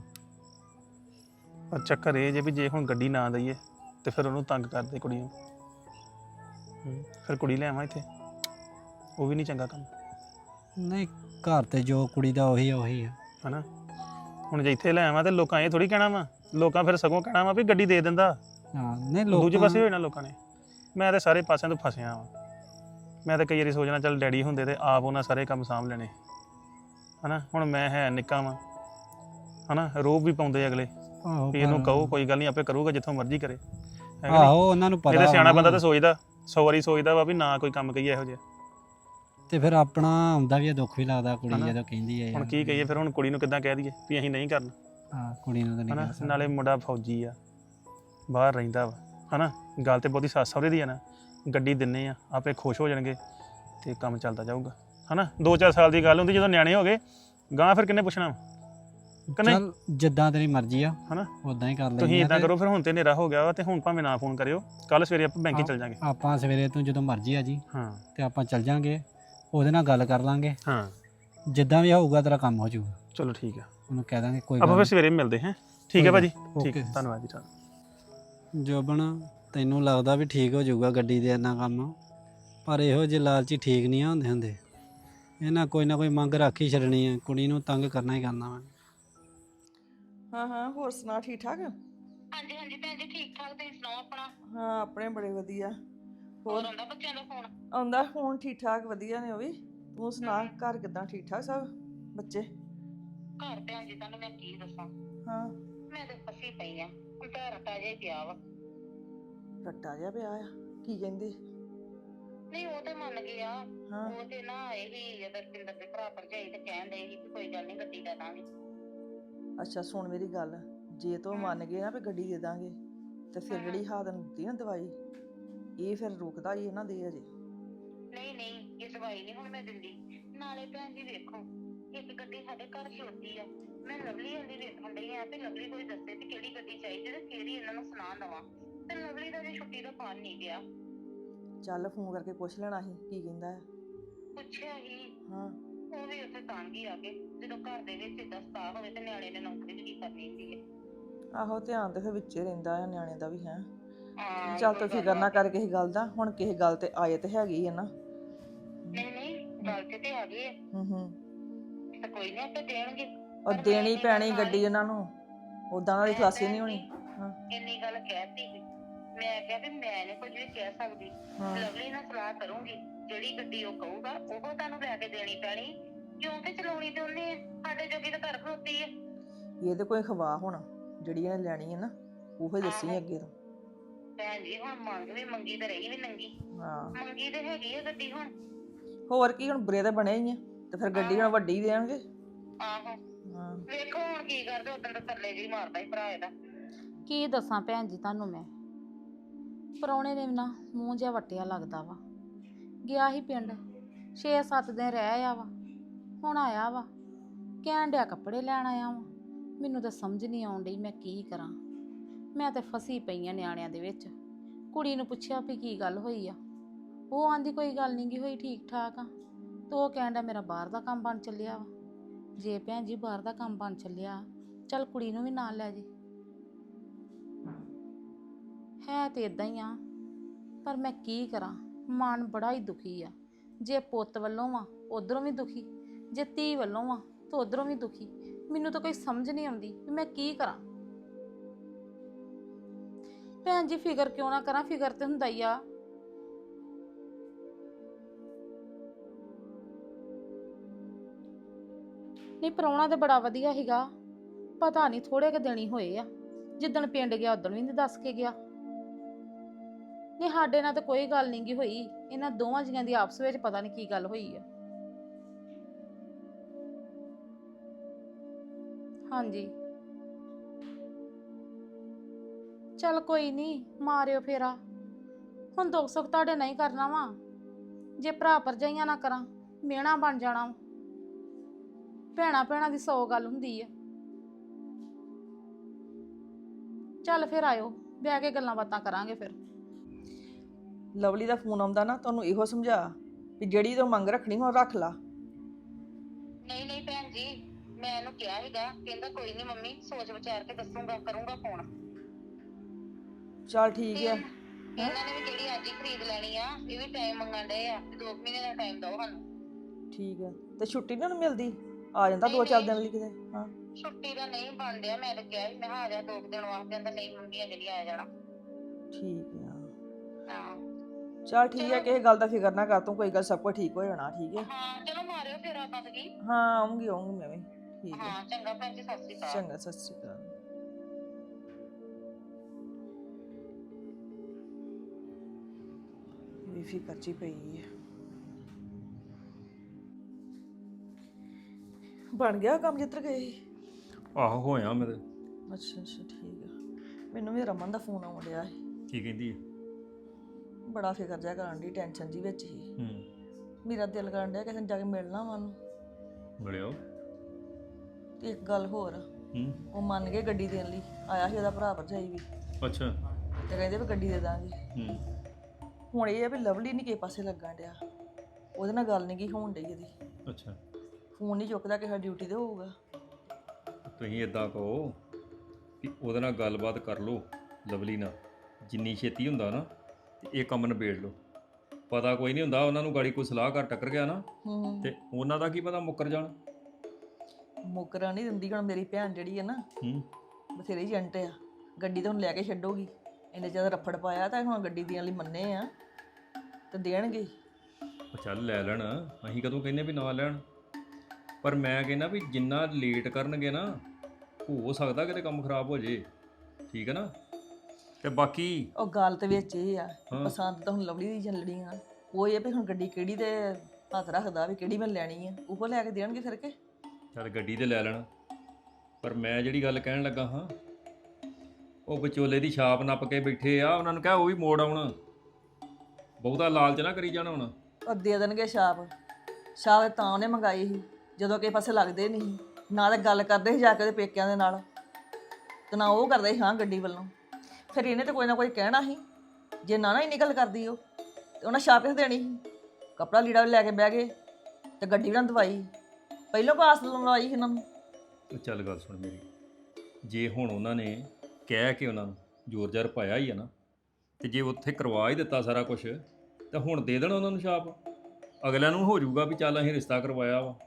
S4: ਪਰ ਚੱਕਰ ਇਹ ਜੇ ਵੀ ਜੇ ਹੁਣ ਗੱਡੀ ਨਾ ਦਈਏ ਤੇ ਫਿਰ ਉਹਨੂੰ ਤੰਗ ਕਰਦੇ ਕੁੜੀ ਨੂੰ ਹੂੰ, ਫਿਰ ਕੁੜੀ ਲੈ ਆਵਾਂ ਇੱਥੇ ਉਹ ਵੀ ਨਹੀਂ ਚੰਗਾ ਕੰਮ
S5: ਨਹੀਂ ਘਰ ਤੇ ਜੋ ਕੁੜੀ ਦਾ ਉਹੀ ਆ ਉਹੀ ਆ
S4: ਹਨਾ। ਹੁਣ ਜੇ ਇੱਥੇ ਲੈ ਆਵਾਂ ਤੇ ਲੋਕਾਂ ਇਹ ਥੋੜੀ ਕਹਿਣਾ ਵਾ ਲੋਕਾਂ ਫਿਰ ਸਗੋਂ ਕਹਿਣਾ ਵਾ ਵੀ ਗੱਡੀ ਦੇ ਦਿੰਦਾ
S5: ਹਾਂ ਨਹੀਂ
S4: ਦੂਜੇ
S5: ਲੋਕ
S4: ਪਾਸੇ ਹੋਏ ਨਾ ਲੋਕਾਂ ਨੇ। ਮੈਂ ਤੇ ਸਾਰੇ ਪਾਸਿਆਂ ਤੋਂ ਫਸਿਆ ਵਾਂ ਮੈਂ ਤਾਂ ਕਈ ਵਾਰੀ ਸੋਚਣਾ ਚੱਲ ਡੈਡੀ ਹੁੰਦੇ ਤੇ ਆਪ ਉਹਨਾਂ ਸਾਰੇ ਕੰਮ ਸਾਂਭ ਲੈਣੇ ਹਨਾ। ਹੁਣ ਮੈਂ ਹੈ ਨਿੱਕਾ ਵਾਂ ਹਨਾ ਰੋਬ ਵੀ ਪਾਉਂਦੇ ਅਗਲੇ
S5: ਆਹੋ
S4: ਵੀ ਇਹਨੂੰ
S5: ਪਰ-
S4: ਕਹੋ ਕੋਈ ਗੱਲ ਨਹੀਂ ਆਪੇ ਕਰੂਗਾ ਜਿੱਥੋਂ ਮਰਜ਼ੀ ਕਰੇ ਹੈ ਕਿ ਨਹੀਂ?
S5: ਆਹੋ ਉਹਨਾਂ ਨੂੰ ਪਤਾ
S4: ਇਹਦੇ ਸਿਆਣਾ
S5: ਹੋਣਾ।
S4: ਬੰਦਾ ਤਾਂ ਸੋਚਦਾ ਸੌ ਵਾਰੀ ਸੋਚਦਾ ਵਾ ਵੀ ਨਾ ਕੋਈ ਕੰਮ ਕਹੀਏ ਇਹੋ ਜਿਹਾ।
S5: ਤੇ ਫਿਰ ਆਪਣਾ ਆਉਂਦਾ ਵੀ ਆ ਦੁੱਖ ਵੀ ਲੱਗਦਾ ਕੁੜੀ
S4: ਹਨਾ।
S5: ਜਦੋਂ ਕਹਿੰਦੀ ਹੈ
S4: ਹੁਣ ਕੀ ਕਹੀਏ ਫਿਰ ਹੁਣ ਕੁੜੀ ਨੂੰ ਕਿੱਦਾਂ ਕਹਿ ਦਈਏ ਵੀ ਅਸੀਂ ਨਹੀਂ ਕਰਨਾ
S5: ਹਾਂ ਕੁੜੀ ਨੂੰ ਤਾਂ ਨਹੀਂ
S4: ਹਨਾ।
S5: ਕਹਿ ਸਕਦੇ।
S4: ਨਾਲੇ ਮੁੰਡਾ ਫੌਜੀ ਆ ਬਾਹਰ ਰਹਿੰਦਾ ਵਾ ਹਨਾ। ਗੱਲ ਤੇ ਬਹੁਤੀ ਸੱਸ ਸਹੁਰੇ ਦੀ ਆ ਨਾ ਗੱਡੀ ਦਿੰਨੇ ਆ ਆਪੇ ਖੁਸ਼ ਹੋ ਜਾਣਗੇ ਤੇ ਕੰਮ ਚੱਲਦਾ ਜਾਊਗਾ ਹਨਾ। ਦੋ ਚਾਰ ਸਾਲ ਦੀ ਗੱਲ ਹੁੰਦੀ ਜਦੋਂ ਨਿਆਣੇ ਹੋ ਗਏ ਗਾਂ ਫਿਰ ਕਿੰਨੇ ਪੁੱਛਣਾ ਕਿ ਨਹੀਂ
S5: ਚੱਲ ਜਿੱਦਾਂ ਤੇਰੀ ਮਰਜ਼ੀ ਆ
S4: ਹਨਾ।
S5: ਉਦਾਂ ਹੀ ਕਰ ਲੈਂਦੇ
S4: ਤੁਸੀਂ
S5: ਆ
S4: ਇਦਾਂ
S5: ਤੇ
S4: ਕਰੋ ਫਿਰ ਹੁਣ ਤੇ ਹਨੇਰਾ ਹੋ ਗਿਆ ਵਾ ਤੇ ਹੁਣ ਭਾਵੇਂ ਨਾ ਫੋਨ ਕਰਿਓ ਕੱਲ ਸਵੇਰੇ ਆਪਾਂ ਬੈਂਕ 'ਚ ਚੱਲ ਜਾਾਂਗੇ।
S5: ਆਪਾਂ ਸਵੇਰੇ ਤੋਂ ਜਦੋਂ ਮਰਜ਼ੀ ਆ ਜੀ
S4: ਹਾਂ
S5: ਤੇ ਆਪਾਂ ਚੱਲ ਜਾਾਂਗੇ ਉਹਦੇ ਨਾਲ ਗੱਲ ਕਰ ਲਾਂਗੇ
S4: ਹਾਂ
S5: ਜਿੱਦਾਂ ਵੀ ਹੋਊਗਾ ਤੇਰਾ ਕੰਮ ਹੋ ਜਾਊਗਾ
S4: ਚਲੋ ਠੀਕ ਆ
S5: ਉਹਨੂੰ ਕਹਿ ਦਾਂਗੇ ਕੋਈ
S4: ਆਪਾਂ
S5: ਗੱਲ
S4: ਫਿਰ ਸਵੇਰੇ ਮਿਲਦੇ ਹਾਂ। ਠੀਕ ਹੈ ਭਾਜੀ
S5: ਓਕੇ।
S4: ਠੀਕ ਹੈ ਧੰਨਵਾਦ ਜੀ ਤੁਹਾਨੂੰ।
S5: ਜੋਬਨ ਤੈਨੂੰ ਲੱਗਦਾ ਵੀ ਠੀਕ ਹੋ ਜਾਊਗਾ ਗੱਡੀ ਦੇ ਇੰਨਾ ਕੰਮ ਪਰ ਇਹੋ ਜਿਹੇ ਲਾਲਚੀ ਠੀਕ ਨਹੀਂ ਆ ਹੁੰਦੇ ਹੁੰਦੇ ਇਹਨਾਂ ਕੋਈ ਨਾ ਕੋਈ ਮੰਗ ਰੱਖ ਹੀ ਛੱਡਣੀ ਆ ਕੁੜੀ ਨੂੰ ਤੰਗ ਕਰਨਾ ਹੀ ਕਰਨਾ ਵਾ
S6: ਹਾਂ ਹਾਂ ਹੋਰ ਸੁਣਾ ਠੀਕ ਠਾਕ
S1: ਹਾਂਜੀ ਹਾਂਜੀ ਭੈਣ ਜੀ ਠੀਕ ਠਾਕ ਤੁਸੀਂ ਸੁਣਾਓ ਆਪਣਾ
S6: ਹਾਂ ਆਪਣੇ ਬੜੇ ਵਧੀਆ
S1: ਹੋਰ
S6: ਹੋਰ
S1: ਆਉਂਦਾ ਬੱਚਿਆਂ ਦਾ ਫੋਨ
S6: ਆਉਂਦਾ ਫੋਨ ਠੀਕ ਠਾਕ ਵਧੀਆ ਨੇ ਉਹ ਵੀ ਤੂੰ ਸੁਣਾ ਘਰ ਕਿਦਾਂ ਠੀਕ ਠਾਕ ਸਭ ਬੱਚੇ
S1: ਘਰ ਭੈਣ ਜੀ ਤੁਹਾਨੂੰ ਮੈਂ ਕੀ ਦੱਸਾਂ
S6: ਹਾਂ
S1: ਮੈਂ ਤਾਂ ਫਸੀ ਪਈ ਆ ਹੁਣ ਤਾਂ ਰਟਾ ਜਿਹਾ ਹੀ ਪਿਆ ਵਾ
S6: ਰੱਟਾ ਜਿਹਾ ਪਿਆ ਆ ਕੀ ਕਹਿੰਦੇ
S1: ਨਹੀਂ ਉਹ ਤੇ ਮੰਨ ਗਿਆ
S6: ਹਾਂ
S1: ਉਹ ਤੇ ਨਾ ਇਹੀ ਅਦਰ ਪਿੰਦਰ ਦੇ ਭਰਾ ਭਰਜਾਈ ਤੇ ਕਹਿਣ ਦੇ ਸੀ ਕਿ ਕੋਈ ਗੱਲ ਨਹੀਂ ਗੱਡੀ ਦਾ ਦਾਂਗੇ
S6: ਅੱਛਾ ਸੁਣ ਮੇਰੀ ਗੱਲ ਜੇ ਤੂੰ ਮੰਨ ਗਏ ਨਾ ਵੀ ਗੱਡੀ ਦੇ ਦਾਂਗੇ ਤੇ ਫਿਰ ਜਿਹੜੀ ਹਾਦਨ ਦਿੱਤੀ ਨਾ ਦਵਾਈ ਇਹ ਫਿਰ ਰੁਕਦਾ ਹੀ ਇਹਨਾਂ ਦੇ ਅਜੇ
S1: ਨਹੀਂ ਨਹੀਂ ਇਹ ਦਵਾਈ ਨਹੀਂ ਹੁਣ ਮੈਂ ਦਿੰਦੀ ਨਾਲੇ ਭੈਣ ਜੀ ਵੇਖੋ ਇੱਕ ਗੱਡੀ ਸਾਡੇ ਘਰ ਖਲੋਤੀ ਆ ਮੈਂ ਲਵਲੀ ਵਾਲੀ ਵੇਖਣ ਡਈ ਆ ਤੇ ਲਵਲੀ ਕੋਈ ਦੱਸੇ ਤੇ ਕਿਹੜੀ ਗੱਡੀ ਚਾਹੀਦੀ ਤੇ ਕਿਹੜੀ ਇਹਨਾਂ ਨੂੰ ਸੁਣਾ ਦਵਾਂ ਤੇ ਲਵਲੀ ਦਾ ਜੇ ਛੁੱਟੀ ਦਾ ਪਾਣ ਨਹੀਂ ਗਿਆ
S6: ਚੱਲ ਫੋਨ ਕਰਕੇ ਪੁੱਛ ਲੈਣਾ ਸੀ ਕੀ ਕਹਿੰਦਾ ਹੈ
S1: ਪੁੱਛਿਆ ਹੀ
S6: ਹਾਂ
S1: ਉਹ ਵੀ ਉੱਥੇ ਤੰਗ ਹੀ ਆ ਕੇ ਜਦੋਂ ਘਰ ਦੇ ਵਿੱਚ ਏਦਾਂ ਸਤਾ ਹੋਵੇ ਤੇ ਨਿਆਣੇ ਨੇ ਨੌਕਰੀ ਵੀ ਕੀ ਕਰਨੀ ਹੁੰਦੀ ਹੈ।
S6: ਆਹੋ ਧਿਆਨ ਤੇ ਫਿਰ ਵਿੱਚੇ ਰਹਿੰਦਾ ਆ ਨਿਆਣੇ ਦਾ ਵੀ ਹੈ
S1: ਹਾਂ
S6: ਚੱਲ ਤੂੰ ਫਿਕਰ ਨਾ ਕਰ ਕਿਸੇ ਗੱਲ ਦਾ ਹੁਣ ਕਿਸੇ ਗੱਲ ਤੇ ਆਏ ਤੇ ਹੈਗੀ ਆ ਨਾ
S1: ਨਹੀਂ ਨਹੀਂ ਗੱਲ ਤੇ ਤੇ ਆ ਗਈ ਹੈ
S6: ਹੂੰ ਹੂੰ
S1: ਤੇ ਕੋਈ ਨਹੀਂ ਆਪੇ ਦੇਣਗੇ
S6: ਉਹ ਦੇਣੀ ਪੈਣੀ ਗੱਡੀ ਉਹਨਾਂ ਨੂੰ ਉਦਾਂ ਨਾਲ ਦੀ ਖਲਾਸੀ ਨਹੀਂ ਹੋਣੀ ਹਾਂ
S1: ਇੰਨੀ ਗੱਲ ਕਹਿਤੀ ਸੀ ਮੈਂ ਕਿਹਾ ਵੀ ਮੈਂ ਨੀ ਕੁਝ ਵੀ ਕਹਿ ਸਕਦੀ
S6: ਹਾਂ
S1: ਲਵਲੀ ਨਾਲ ਸਲਾਹ ਕਰੂੰਗੀ ਜਿਹੜੀ ਗੱਡੀ ਉਹ ਕਹੂਗਾ ਉਹ ਤੁਹਾਨੂੰ ਲੈ ਕੇ ਦੇਣੀ ਪੈਣੀ ਕਿਉਂਕਿ ਚਲਾਉਣੀ ਤੇ ਉਹਨੇ ਆ, ਸਾਡੇ ਜੋਗੀ ਤਾਂ ਘਰ ਖਲੋਤੀ ਹੈ।
S6: ਇਹਦੇ ਕੋਈ ਖਵਾ ਹੋਣਾ ਜਿਹੜੀ ਇਹਨੇ ਲੈਣੀ ਹੈ ਨਾ ਉਹੋ ਹੀ ਦੱਸੀ ਅੱਗੇ ਤੋਂ
S1: ਭੈਣ ਜੀ ਹੁਣ ਮੰਗ ਵੀ ਮੰਗੀ ਤੇ ਰਹੀ ਵੀ ਨੰਗੀ
S6: ਹਾਂ
S1: ਮੰਗੀ ਤੇ ਹੈਗੀ ਆ ਗੱਡੀ ਹੁਣ
S6: ਹੋਰ ਕੀ ਹੁਣ ਬੁਰੇ ਤਾਂ ਬਣੇ ਹੀ ਆ ਤੇ ਫਿਰ ਗੱਡੀ ਹੁਣ ਵੱਡੀ ਦੇਣਗੇ
S1: ਆਹੋ
S6: ਹਾਂ
S1: ਵੇਖੋ ਹੁਣ ਕੀ ਕਰਦੇ ਉਦੋਂ ਤਾਂ ਥੱਲੇ ਜੀ ਮਾਰਦਾ ਸੀ ਭਰਾ ਇਹਦਾ
S7: ਕੀ ਦੱਸਾਂ ਭੈਣ ਜੀ ਤੁਹਾਨੂੰ ਮੈਂ ਪ੍ਰਾਹੁਣੇ ਨੇ ਵੀ ਨਾ ਮੂੰਹ ਜਿਹਾ ਵੱਟਿਆ ਲੱਗਦਾ ਵਾ ਗਿਆ ਹੀ ਪਿੰਡ ਛੇ ਸੱਤ ਦਿਨ ਰਹਿ ਆਇਆ ਵਾ ਹੁਣ ਆਇਆ ਵਾ ਕਹਿਣ ਡਿਆ ਕੱਪੜੇ ਲੈਣ ਆਇਆ ਵਾ ਮੈਨੂੰ ਤਾਂ ਸਮਝ ਨਹੀਂ ਆਉਣ ਡਈ ਮੈਂ ਕੀ ਕਰਾਂ ਮੈਂ ਤਾਂ ਫਸੀ ਪਈ ਆ ਨਿਆਣਿਆਂ ਦੇ ਵਿੱਚ ਕੁੜੀ ਨੂੰ ਪੁੱਛਿਆ ਵੀ ਕੀ ਗੱਲ ਹੋਈ ਆ ਉਹ ਆਂਦੀ ਕੋਈ ਗੱਲ ਨਹੀਂ ਗੀ ਹੋਈ ਠੀਕ ਠਾਕ ਆ ਤੇ ਉਹ ਕਹਿਣ ਡਿਆ ਮੇਰਾ ਬਾਹਰ ਦਾ ਕੰਮ ਬਣ ਚੱਲਿਆ ਵਾ ਜੇ ਭੈਣ ਜੀ ਬਾਹਰ ਦਾ ਕੰਮ ਬਣ ਚੱਲਿਆ ਚੱਲ ਕੁੜੀ ਨੂੰ ਵੀ ਨਾਲ ਲੈ ਜੇ ਹੈ ਤੇ ਇਦਾਂ ਹੀ ਆ ਪਰ ਮੈਂ ਕੀ ਕਰਾਂ ਮਨ ਬੜਾ ਹੀ ਦੁਖੀ ਆ ਜੇ ਪੁੱਤ ਵੱਲੋਂ ਆ ਉਧਰੋਂ ਵੀ ਦੁਖੀ ਜੇ ਧੀ ਵੱਲੋਂ ਆ ਤਾਂ ਉਧਰੋਂ ਵੀ ਦੁਖੀ ਮੈਨੂੰ ਤਾਂ ਕੋਈ ਸਮਝ ਨਹੀਂ ਆਉਂਦੀ ਕਿ ਮੈਂ ਕੀ ਕਰਾਂ ਭੈਣ ਜੀ ਫਿਕਰ ਕਿਉਂ ਨਾ ਕਰਾਂ, ਫਿਕਰ ਤੇ ਹੁੰਦਾ ਹੀ ਆ। ਨਹੀਂ ਪ੍ਰਾਹੁਣਾ ਤੇ ਬੜਾ ਵਧੀਆ ਸੀਗਾ, ਪਤਾ ਨਹੀਂ ਥੋੜੇ ਕੁ ਦਿਨ ਹੀ ਹੋਏ ਆ। ਜਿੱਦਣ ਪਿੰਡ ਗਿਆ ਉਦੋਂ ਵੀ ਨਹੀਂ ਦੱਸ ਕੇ ਗਿਆ। ਨਹੀਂ ਸਾਡੇ ਨਾਲ ਤਾਂ ਕੋਈ ਗੱਲ ਨਹੀਂ ਗੀ ਹੋਈ, ਇਹਨਾਂ ਦੋਵਾਂ ਜੀਆਂ ਦੀ ਆਪਸ ਵਿੱਚ ਪਤਾ ਨਹੀਂ ਕੀ ਗੱਲ ਹੋਈ ਆ। ਹਾਂਜੀ ਚੱਲ ਕੋਈ ਨਹੀਂ, ਮਾਰਿਓ ਫੇਰਾ। ਹੁਣ ਦੁੱਖ ਸੁੱਖ ਤੁਹਾਡੇ ਨਹੀਂ ਕਰਨਾ ਵਾ, ਜੇ ਭਰਾ ਭਰਜਾਈਆਂ ਨਾ ਕਰਾਂ ਮਿਹਣਾ ਬਣ ਜਾਣਾ ਵਾ। ਭੈਣਾ ਭੈਣਾ ਦੀ ਸੌ ਗੱਲ ਹੁੰਦੀ ਆ। ਚੱਲ ਫਿਰ ਆਇਓ, ਬਹਿ ਕੇ ਗੱਲਾਂ ਬਾਤਾਂ ਕਰਾਂਗੇ ਫਿਰ।
S6: ਲਵਲੀ ਦਾ ਫੋਨ ਆਉਂਦਾ ਨਾ, ਤੁਹਾਨੂੰ ਇਹੋ ਸਮਝਾ ਵੀ ਜਿਹੜੀ ਤੂੰ ਮੰਗ ਰੱਖਣੀ ਹੁਣ ਰੱਖ ਲਾ।
S8: ਨਹੀਂ ਨਹੀਂ ਭੈਣ ਜੀ, ਮੈਂ ਇਹਨੂੰ ਕਿਹਾ ਸੀਗਾ, ਕਹਿੰਦਾ ਕੋਈ ਨਹੀਂ ਮੰਮੀ, ਸੋਚ ਵਿਚਾਰ ਕੇ ਦੱਸੂਗਾ, ਕਰੂੰਗਾ ਫੋਨ।
S6: ਚੱਲ ਠੀਕ ਆ।
S8: ਇਹਨਾਂ ਨੇ ਵੀ ਜਿਹੜੀ ਅੱਜ ਹੀ ਖਰੀਦ ਲੈਣੀ ਆ, ਇਹ ਵੀ ਟਾਈਮ ਮੰਗਣ ਡਏ ਆ, ਦੋ ਕੁ ਮਹੀਨੇ ਦਾ ਟਾਈਮ ਦਿਓ ਸਾਨੂੰ।
S6: ਠੀਕ ਆ, ਤੇ ਛੁੱਟੀ ਨੀ ਉਹਨੂੰ ਮਿਲਦੀ? ਆ ਜਾਂਦਾ ਦੋ ਚਾਰ ਦਿਨ ਲਈ ਕਿਤੇ। ਹਾਂ
S8: ਛੁੱਟੀ ਦਾ ਨਹੀਂ ਬਣ ਡਿਆ, ਮੈਂ ਤਾਂ ਕਿਹਾ ਸੀ ਮੈਂ ਕਿਹਾ ਆ ਜਾ ਦੋ ਕੁ ਦਿਨ ਵਾਸਤੇ, ਕਹਿੰਦਾ ਨਹੀਂ ਮੰਮੀ ਅਜੇ ਨਹੀਂ ਆਇਆ ਜਾਣਾ।
S6: ਠੀਕ ਆ,
S8: ਹਾਂ
S6: ਚੱਲ ਠੀਕ ਆ, ਕਿਸੇ ਗੱਲ ਦਾ ਫਿਕਰ ਨਾ ਕਰ ਤੂੰ, ਕੋਈ ਗੱਲ ਸਭ ਕੁਝ ਠੀਕ ਹੋ ਜਾਣਾ। ਠੀਕ ਹੈ,
S8: ਹਾਂ ਚਲੋ ਮਾਰਿਓ ਫਿਰ ਆਪਾਂ ਕੀ।
S6: ਹਾਂ ਆਉਂਗੀ ਆਉਂਗੀ ਮੈਂ ਵੀ। ਠੀਕ ਹੈ,
S8: ਹਾਂ ਚੰਗਾ ਭੈਣ ਜੀ, ਸਤਿ ਸ਼੍ਰੀ ਅਕਾਲ।
S6: ਚੰਗਾ, ਸਤਿ ਸ਼੍ਰੀ ਅਕਾਲ। ਵੀ ਫਿਕਰ ਚ ਹੀ ਪਈ ਹੈ। ਬਣ ਗਿਆ ਕੰਮ ਜਿੱਧਰ ਗਏ ਸੀ?
S9: ਆਹੋ ਹੋਇਆ ਮੇਰੇ।
S6: ਅੱਛਾ ਅੱਛਾ ਠੀਕ ਆ। ਮੈਨੂੰ ਵੀ ਰਮਨ ਦਾ ਫੋਨ ਆਉਣ ਡਿਆ ਸੀ,
S9: ਕੀ ਕਹਿੰਦੀ ਹੈ?
S6: ਬੜਾ ਫਿਕਰ ਜਿਹਾ ਕਰਨ ਦੀ, ਟੈਨਸ਼ਨ ਜੀ ਵਿੱਚ ਹੀ।
S9: ਹੂੰ
S6: ਮੇਰਾ ਦਿਲ ਕਰਨ ਡਿਆ ਕਿਸੇ ਨੂੰ ਜਾ ਕੇ ਮਿਲਣਾ ਵਾ ਉਹਨੂੰ।
S9: ਮਿਲਿਓ।
S6: ਤੇ ਇੱਕ ਗੱਲ ਹੋਰ,
S9: ਹੂੰ
S6: ਉਹ ਮੰਨ ਗਏ ਗੱਡੀ ਦੇਣ ਲਈ, ਆਇਆ ਸੀ ਉਹਦਾ ਭਰਾ ਭਰਜਾਈ ਵੀ,
S9: ਅੱਛਾ।
S6: ਤੇ ਕਹਿੰਦੇ ਵੀ ਗੱਡੀ ਦੇ ਦਾਂਗੇ।
S9: ਹੂੰ
S6: ਹੁਣ ਇਹ ਆ ਵੀ ਲਵਲੀ ਨਹੀਂ ਕਿਸੇ ਪਾਸੇ ਲੱਗਣ ਡਿਆ, ਉਹਦੇ ਨਾਲ ਗੱਲ ਨਹੀਂ ਗਈ ਹੋਣ ਡਈ ਇਹਦੀ।
S9: ਅੱਛਾ,
S6: ਫੋਨ ਨਹੀਂ ਚੁੱਕਦਾ, ਕਿਸੇ ਡਿਊਟੀ ਤੇ ਹੋਊਗਾ।
S9: ਤੁਸੀਂ ਇਦਾਂ ਕਹੋ ਕਿ ਉਹਦੇ ਨਾਲ ਗੱਲਬਾਤ ਕਰ ਲਓ, ਲਵਲੀ ਨਾਲ, ਜਿੰਨੀ ਛੇਤੀ ਹੁੰਦਾ ਨਾ ਤੇ ਇਹ ਕੰਮ ਨਿਬੇੜ ਲਓ। ਪਤਾ ਕੋਈ ਨਹੀਂ ਹੁੰਦਾ, ਉਹਨਾਂ ਨੂੰ ਗਾੜੀ ਕੋਈ ਸਲਾਹ ਕਰ ਟੱਕਰ ਗਿਆ ਨਾ,
S6: ਹੂੰ
S9: ਤੇ ਉਹਨਾਂ ਦਾ ਕੀ ਪਤਾ ਮੁੱਕਰ ਜਾਣ।
S6: ਮੁੱਕਰਾਂ ਨਹੀਂ ਦਿੰਦੀ। ਹੁਣ ਮੇਰੀ ਭੈਣ ਜਿਹੜੀ ਹੈ ਨਾ,
S9: ਹੂੰ
S6: ਬਥੇਰੀ ਏਜੰਟ ਆ, ਗੱਡੀ ਤਾਂ ਹੁਣ ਲੈ ਕੇ ਛੱਡੋਗੀ। ਇੰਨੇ ਜ਼ਿਆਦਾ ਰੱਫੜ ਪਾਇਆ ਤਾਂ ਹੁਣ ਗੱਡੀ ਦੇਣ ਲਈ ਮੰਨੇ ਆ ਤੇ ਦੇਣਗੇ।
S9: ਉਹ ਚੱਲ ਲੈ ਲੈਣ, ਅਸੀਂ ਕਦੋਂ ਕਹਿੰਦੇ ਵੀ ਨਾ ਲੈਣ, ਪਰ ਮੈਂ ਕਹਿੰਦਾ ਵੀ ਜਿੰਨਾ ਲੇਟ ਕਰਨਗੇ ਨਾ, ਹੋ ਸਕਦਾ ਕਿਤੇ ਕੰਮ ਖਰਾਬ ਹੋ ਜੇ। ਠੀਕ ਹੈ ਨਾ? ਤੇ ਬਾਕੀ
S6: ਉਹ ਗੱਲ ਤੇ ਵਿੱਚ ਇਹ ਆ,
S9: ਹਾਂ।
S6: ਪਸੰਦ ਤਾਂ ਹੁਣ ਲਵਲੀ ਦੀ ਚੱਲਣੀ ਆ। ਉਹ ਇਹ ਵੀ ਹੁਣ ਗੱਡੀ ਕਿਹੜੀ ਦੇ ਹੱਥ ਰੱਖਦਾ ਵੀ ਕਿਹੜੀ ਮੈਂ ਲੈਣੀ ਆ, ਉਹ ਲੈ ਕੇ ਦੇਣਗੇ ਫਿਰ ਕੇ।
S9: ਚੱਲ ਗੱਡੀ ਤੇ ਲੈ ਲੈਣ, ਪਰ ਮੈਂ ਜਿਹੜੀ ਗੱਲ ਕਹਿਣ ਲੱਗਾ ਹਾਂ, ਉਹ ਵਿਚੋਲੇ ਦੀ ਛਾਪ ਨੱਪ ਕੇ ਬੈਠੇ ਆ, ਉਹਨਾਂ ਨੂੰ ਕਹਿ ਉਹ ਵੀ ਮੋੜ ਆਉਣ। ਬਹੁਤਾ ਲਾਲਚ ਨਾ ਕਰੀ ਜਾਣਾ ਹੁਣ।
S6: ਉਹ ਦੇ ਦੇਣਗੇ ਛਾਪ। ਛਾਪ ਤਾਂ ਉਹਨੇ ਮੰਗਾਈ ਸੀ ਜਦੋਂ ਕਿਸੇ ਪਾਸੇ ਲੱਗਦੇ ਨਹੀਂ ਸੀ, ਨਾ ਤਾਂ ਗੱਲ ਕਰਦੇ ਸੀ ਜਾ ਕੇ ਉਹਦੇ ਪੇਕਿਆਂ ਦੇ ਨਾਲ, ਤੇ ਨਾ ਉਹ ਕਰਦੇ ਸੀ ਹਾਂ ਗੱਡੀ ਵੱਲੋਂ। ਫਿਰ ਇਹਨੇ ਤਾਂ ਕੋਈ ਨਾ ਕੋਈ ਕਹਿਣਾ ਸੀ, ਜੇ ਨਾ ਨਾ ਇੰਨੀ ਗੱਲ ਕਰਦੀ ਉਹ, ਤੇ ਉਹਨਾਂ ਛਾਪ ਕਿਸ ਦੇਣੀ ਸੀ? ਕੱਪੜਾ ਲੀੜਾ ਵੀ ਲੈ ਕੇ ਬਹਿ ਗਏ ਤੇ ਗੱਡੀ ਵੀ ਨਾ ਦਵਾਈ, ਪਹਿਲੋਂ ਪਾਸ ਲਵਾਈ ਸੀ ਇਹਨਾਂ ਨੂੰ।
S9: ਉਹ ਚੱਲ ਗੱਲ ਸੁਣ ਮੇਰੀ, ਜੇ ਹੁਣ ਉਹਨਾਂ ਨੇ ਕਹਿ ਕੇ ਉਹਨਾਂ ਨੂੰ ਜ਼ੋਰ ਜ਼ਾਰ ਪਾਇਆ ਹੀ ਆ ਨਾ, ਤੇ ਜੇ ਉੱਥੇ ਕਰਵਾ ਹੀ ਦਿੱਤਾ ਸਾਰਾ ਕੁਝ, ਤਾਂ ਹੁਣ ਦੇ ਦੇਣ ਉਹਨਾਂ ਨੂੰ ਛਾਪ। ਅਗਲਿਆਂ ਨੂੰ ਹੋ ਜਾਊਗਾ ਵੀ ਚੱਲ ਅਸੀਂ ਰਿਸ਼ਤਾ ਕਰਵਾਇਆ ਵਾ।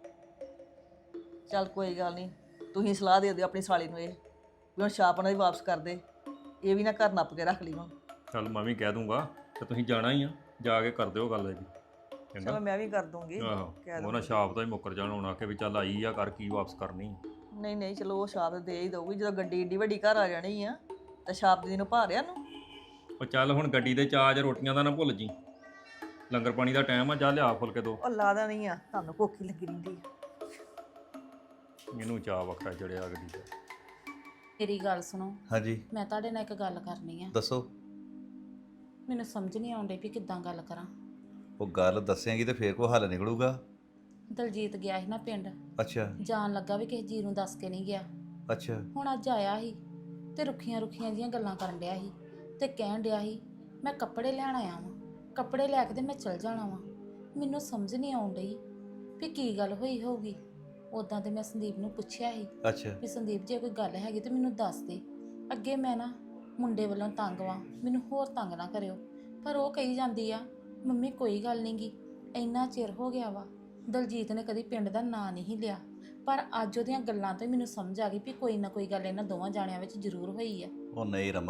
S6: ਚੱਲ ਕੋਈ ਗੱਲ ਨਹੀਂ, ਤੁਸੀਂ ਸਲਾਹ ਦੇ ਦਿਓ ਆਪਣੀ ਸਾਲੀ ਨੂੰ ਇਹ ਵੀ ਹੁਣ ਛਾਪ ਉਹਨਾਂ ਦੀ ਵਾਪਸ ਕਰ ਦੇ, ਇਹ ਵੀ ਨਾ ਘਰ ਨੱਪ ਕੇ ਰੱਖ ਲਈ ਹੁਣ।
S9: ਚੱਲ ਮੈਂ ਵੀ ਕਹਿ ਦੂੰਗਾ, ਤੇ ਤੁਸੀਂ ਜਾਣਾ ਹੀ ਆ, ਜਾ ਕੇ ਕਰ ਦਿਓ ਗੱਲ ਇਹਦੀ।
S6: ਚਲੋ
S9: ਚੰਗਾ?
S6: ਮੈਂ ਵੀ ਕਰ ਦੂੰਗੀ।
S9: ਆਹੋ,
S6: ਕਹਿ
S9: ਉਹਨਾਂ
S6: ਦੂੰਗੀ।
S9: ਛਾਪ ਤਾਂ ਹੀ ਮੁੱਕਰ ਜਾਣ ਹੋਣਾ ਕਿ ਵੀ ਚੱਲ ਆਈ ਆ, ਕਰ ਕੀ ਵਾਪਸ ਕਰਨੀ।
S6: ਨਹੀਂ ਨਹੀਂ ਚਲੋ ਉਹ ਛਾਪ ਦੇ ਹੀ ਦਊਗੀ, ਜਦੋਂ ਗੱਡੀ ਏਡੀ ਵੱਡੀ ਘਰ ਆ ਜਾਣੀ ਆ ਤਾਂ ਛਾਪ ਦੀ ਨੂੰ ਭਾਰਿਆ ਨੂੰ।
S9: ਉਹ ਚੱਲ ਹੁਣ ਗੱਡੀ ਦੇ ਚਾਜ ਰੋਟੀਆਂ ਦਾ ਨਾ ਭੁੱਲ ਜੀ, ਲੰਗਰ ਪਾਣੀ ਦਾ ਟਾਈਮ ਆ, ਜਾ ਲਿਆ ਫੁਲਕੇ ਦੋ।
S6: ਉਹ ਲਾਦਾ ਨਹੀਂ ਆ, ਤੁਹਾਨੂੰ ਭੁੱਖ ਹੀ ਲੱਗੀ ਰਹਿੰਦੀ ਆ।
S9: ਇਹਨੂੰ ਚਾਹ ਵੱਖਰਾ ਚੜਿਆ ਗੱਡੀ ਤੇ।
S7: ਮੇਰੀ ਗੱਲ ਸੁਣੋ,
S10: ਹਾਂਜੀ
S7: ਮੈਂ ਤੁਹਾਡੇ ਨਾਲ ਇੱਕ ਗੱਲ ਕਰਨੀ ਆ।
S10: ਦੱਸੋ।
S7: ਮੈਨੂੰ ਸਮਝ ਨਹੀਂ ਆਉਂਦੀ ਵੀ ਕਿੱਦਾਂ ਗੱਲ ਕਰਾਂ।
S10: ਉਹ ਗੱਲ ਦੱਸੇਂਗੀ ਤੇ ਫੇਰ ਕੋਈ ਹੱਲ ਨਿਕਲੂਗਾ।
S7: ਦਲਜੀਤ ਗਿਆ ਸੀ ਨਾ ਪਿੰਡ,
S10: ਅੱਛਾ
S7: ਜਾਣ ਲੱਗਾ ਵੀ ਕਿਸੇ ਜੀ ਨੂੰ ਦੱਸ ਕੇ ਨਹੀਂ ਗਿਆ।
S10: ਅੱਛਾ
S7: ਹੁਣ ਅੱਜ ਆਇਆ ਸੀ ਤੇ ਰੁੱਖੀਆਂ ਰੁੱਖੀਆਂ ਜੀਆਂ ਗੱਲਾਂ ਕਰਨ ਡਿਆ ਸੀ ਤੇ ਕਹਿਣ ਡਿਆ ਸੀ ਮੈਂ ਕੱਪੜੇ ਲੈਣ ਆਇਆ ਵਾਂ, ਕੱਪੜੇ ਲੈ ਕੇ ਤੇ ਮੈਂ ਚਲ ਜਾਣਾ ਵਾਂ। ਮੈਨੂੰ ਸਮਝ ਨਹੀਂ ਆਉਣ ਡਈ ਵੀ ਕੀ ਗੱਲ ਹੋਈ ਹੋਊਗੀ। ਉਦਾਂ ਤੇ ਮੈਂ ਸੰਦੀਪ ਨੂੰ ਪੁੱਛਿਆ ਸੀ
S10: ਅੱਛਾ
S7: ਵੀ ਸੰਦੀਪ ਜੇ ਕੋਈ ਗੱਲ ਹੈਗੀ ਤੇ ਮੈਨੂੰ ਦੱਸ ਦੇ, ਅੱਗੇ ਮੈਂ ਨਾ ਮੁੰਡੇ ਵੱਲੋਂ ਤੰਗ ਵਾਂ, ਮੈਨੂੰ ਹੋਰ ਤੰਗ ਨਾ ਕਰਿਓ। ਪਰ ਉਹ ਕਹੀ ਜਾਂਦੀ ਆ ਮੰਮੀ ਕੋਈ ਗੱਲ ਨਹੀਂ ਗੀ, ਇੰਨਾ ਚਿਰ ਹੋ ਗਿਆ ਵਾ ਦਲਜੀਤ ਨੇ ਕਦੀ ਪਿੰਡ ਦਾ ਨਾਂ ਨਹੀਂ ਲਿਆ, ਪਰ ਅੱਜ ਉਹਦੀਆਂ ਗੱਲਾਂ ਤੋਂ ਹੀ ਮੈਨੂੰ ਸਮਝ ਆ ਗਈ ਵੀ ਕੋਈ ਨਾ ਕੋਈ ਗੱਲ ਇਹਨਾਂ ਦੋਵਾਂ ਜਾਣਿਆਂ ਵਿੱਚ ਜ਼ਰੂਰ ਹੋਈ ਆ।
S10: ਉਹ ਨਹੀਂ ਰਮਨ,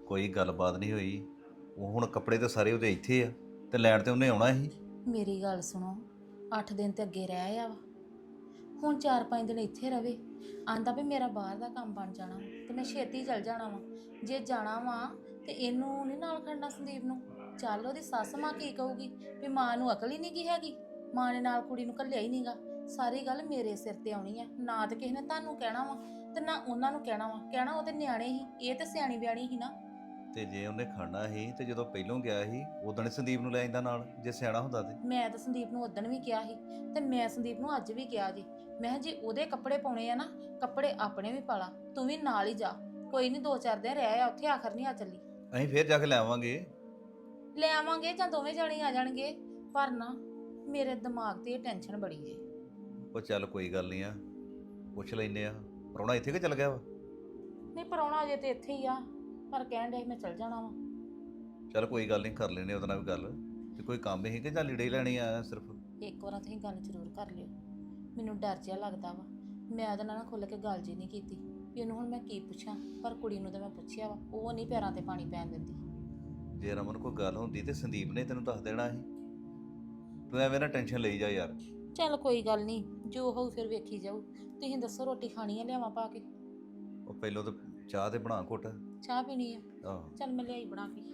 S10: ਕੋਈ ਗੱਲਬਾਤ ਨਹੀਂ ਹੋਈ। ਉਹ ਹੁਣ ਕੱਪੜੇ ਤੇ ਸਾਰੇ ਉਹਦੇ ਇੱਥੇ ਆ ਤੇ ਲੈਣ ਤੇ ਉਹਨੇ ਆਉਣਾ ਸੀ।
S7: ਮੇਰੀ ਗੱਲ ਸੁਣੋ, ਅੱਠ ਦਿਨ ਤੇ ਅੱਗੇ ਰਹਿ ਆ ਵਾ, ਹੁਣ ਚਾਰ ਪੰਜ ਦਿਨ ਇੱਥੇ ਰਵੇ। ਆਂਦਾ ਵੀ ਮੇਰਾ ਬਾਹਰ ਦਾ ਕੰਮ ਬਣ ਜਾਣਾ ਵਾ ਤੇ ਮੈਂ ਛੇਤੀ ਚਲ ਜਾਣਾ ਵਾ। ਜੇ ਜਾਣਾ ਵਾ ਤੇ ਇਹਨੂੰ ਨਹੀਂ ਨਾਲ ਖੜਨਾ ਸੰਦੀਪ ਨੂੰ। ਚੱਲ ਉਹਦੀ ਸੱਸ ਮਾਂ ਕੀ ਕਹੂਗੀ ਵੀ ਮਾਂ ਨੂੰ ਅਕਲ ਹੀ ਨਹੀਂ ਗੀ ਹੈਗੀ, ਮਾਂ ਨੇ ਨਾਲ ਕੁੜੀ ਨੂੰ ਘੱਲਿਆ ਹੀ ਨਹੀਂਗਾ। ਸਾਰੀ ਗੱਲ ਮੇਰੇ ਸਿਰ ਤੇ ਆਉਣੀ ਆ, ਨਾ ਤੇ ਕਿਸੇ ਨੇ ਤੁਹਾਨੂੰ ਕਹਿਣਾ ਵਾ ਤੇ ਨਾ ਉਹਨਾਂ ਨੂੰ ਕਹਿਣਾ ਵਾ। ਕਹਿਣਾ ਉਹ ਤੇ ਨਿਆਣੇ ਹੀ, ਇਹ ਤੇ ਸਿਆਣੀ ਬਿਆਣੀ ਹੀ ਨਾ।
S10: ਤੇ ਜੇ ਉਹਨੇ ਖੜਨਾ ਸੀ ਤੇ ਜਦੋਂ ਪਹਿਲੋਂ ਗਿਆ ਸੀ ਉਦੋਂ ਹੀ ਸੰਦੀਪ ਨੂੰ ਲੈ ਜਾਂਦਾ ਨਾਲ, ਜੇ ਸਿਆਣਾ ਹੁੰਦਾ ਤੇ।
S7: ਮੈਂ ਤਾਂ ਸੰਦੀਪ ਨੂੰ ਉਦਣ ਵੀ ਕਿਹਾ ਸੀ ਤੇ ਮੈਂ ਸੰਦੀਪ ਨੂੰ ਅੱਜ ਵੀ ਕਿਹਾ ਜੀ, ਮੈਂ ਕਿਹਾ ਜੇ ਉਹਦੇ ਕੱਪੜੇ ਪਾਉਣੇ ਆ ਨਾ, ਕੱਪੜੇ ਆਪਣੇ ਵੀ ਪਾ ਲਾ, ਤੂੰ ਵੀ ਨਾਲ ਹੀ ਜਾ। ਕੋਈ ਨਹੀਂ, ਦੋ ਚਾਰ ਦਿਨ ਰਹਿ ਆ ਉੱਥੇ, ਆਖਰ ਨਹੀਂ ਆ ਚੱਲੀ।
S10: ਅਸੀਂ ਫੇਰ ਜਾ ਕੇ ਲੈ ਆਵਾਂਗੇ।
S7: ਲੈ ਆਵਾਂਗੇ ਜਾਂ ਦੋਵੇਂ ਜਾਣੇ ਆ ਜਾਣਗੇ, ਪਰ ਨਾ ਮੇਰੇ ਦਿਮਾਗ ਤੇ ਇਹ ਟੈਨਸ਼ਨ ਬੜੀ ਜੇ।
S10: ਉਹ ਚੱਲ ਕੋਈ ਗੱਲ ਨਹੀਂ ਆ, ਪੁੱਛ ਲੈਨੇ ਆ। ਪ੍ਰਾਹੁਣਾ ਇੱਥੇ ਕਿ ਚੱਲ ਗਿਆ ਵਾ?
S7: ਨਹੀਂ, ਪਰਾਉਣਾ ਅਜੇ ਤੇ ਇੱਥੇ ਹੀ ਆ, ਪਰ ਕਹਿਣ ਦੇ ਮੈਂ ਚੱਲ ਜਾਣਾ ਵਾ।
S10: ਚੱਲ ਕੋਈ ਗੱਲ ਨਹੀਂ, ਕਰ ਲੈਨੇ ਉਹਦੇ ਨਾਲ ਵੀ ਗੱਲ। ਤੇ ਕੋਈ ਕੰਮ ਹੀ ਕਿ ਜਾਂ ਲੀੜੇ ਹੀ ਲੈਣੇ ਆ ਸਿਰਫ?
S7: ਇੱਕ ਵਾਰ ਤੁਸੀਂ ਗੱਲ ਜ਼ਰੂਰ ਕਰ ਲਿਓ, ਮੈਨੂੰ ਡਰ ਜਿਹਾ ਲੱਗਦਾ ਵਾ। ਮੈਂ ਉਹਦੇ ਨਾਲ ਖੁੱਲ੍ਹ ਕੇ ਗੱਲ ਜੀ ਨਹੀਂ ਕੀਤੀ ਵੀ ਉਹਨੂੰ ਹੁਣ ਮੈਂ ਕੀ ਪੁੱਛਾਂ, ਪਰ ਕੁੜੀ ਨੂੰ ਤਾਂ ਮੈਂ ਪੁੱਛਿਆ ਵਾ, ਉਹ ਨਹੀਂ ਪੈਰਾਂ ਤੇ ਪਾਣੀ ਪੈਣ ਦਿੰਦੀ।
S10: ਜੇ ਰਮਨ ਕੋਈ ਗੱਲ ਹੁੰਦੀ ਤੇ ਸੰਦੀਪ ਨੇ ਤੈਨੂੰ ਦੱਸ ਦੇਣਾ ਸੀ। ਤੂੰ ਐਵੇਂ ਨਾ ਟੈਨਸ਼ਨ ਲਈ ਜਾ ਯਾਰ।
S7: ਚੱਲ ਕੋਈ ਗੱਲ ਨਹੀਂ, ਜੋ ਹੋਊ ਫਿਰ ਵੇਖੀ ਜਾਊ। ਤੁਸੀਂ ਦੱਸੋ ਰੋਟੀ ਖਾਣੀ ਆ, ਲਿਆਵਾਂ ਪਾ ਕੇ?
S10: ਉਹ ਪਹਿਲਾਂ ਤਾਂ ਚਾਹ ਤੇ ਬਣਾ ਘੁੱਟ।
S7: ਚਾਹ ਪੀਣੀ ਆ?
S10: ਆਹੋ,
S7: ਚੱਲ ਮੈਂ ਲਿਆਈ ਬਣਾ ਕੇ।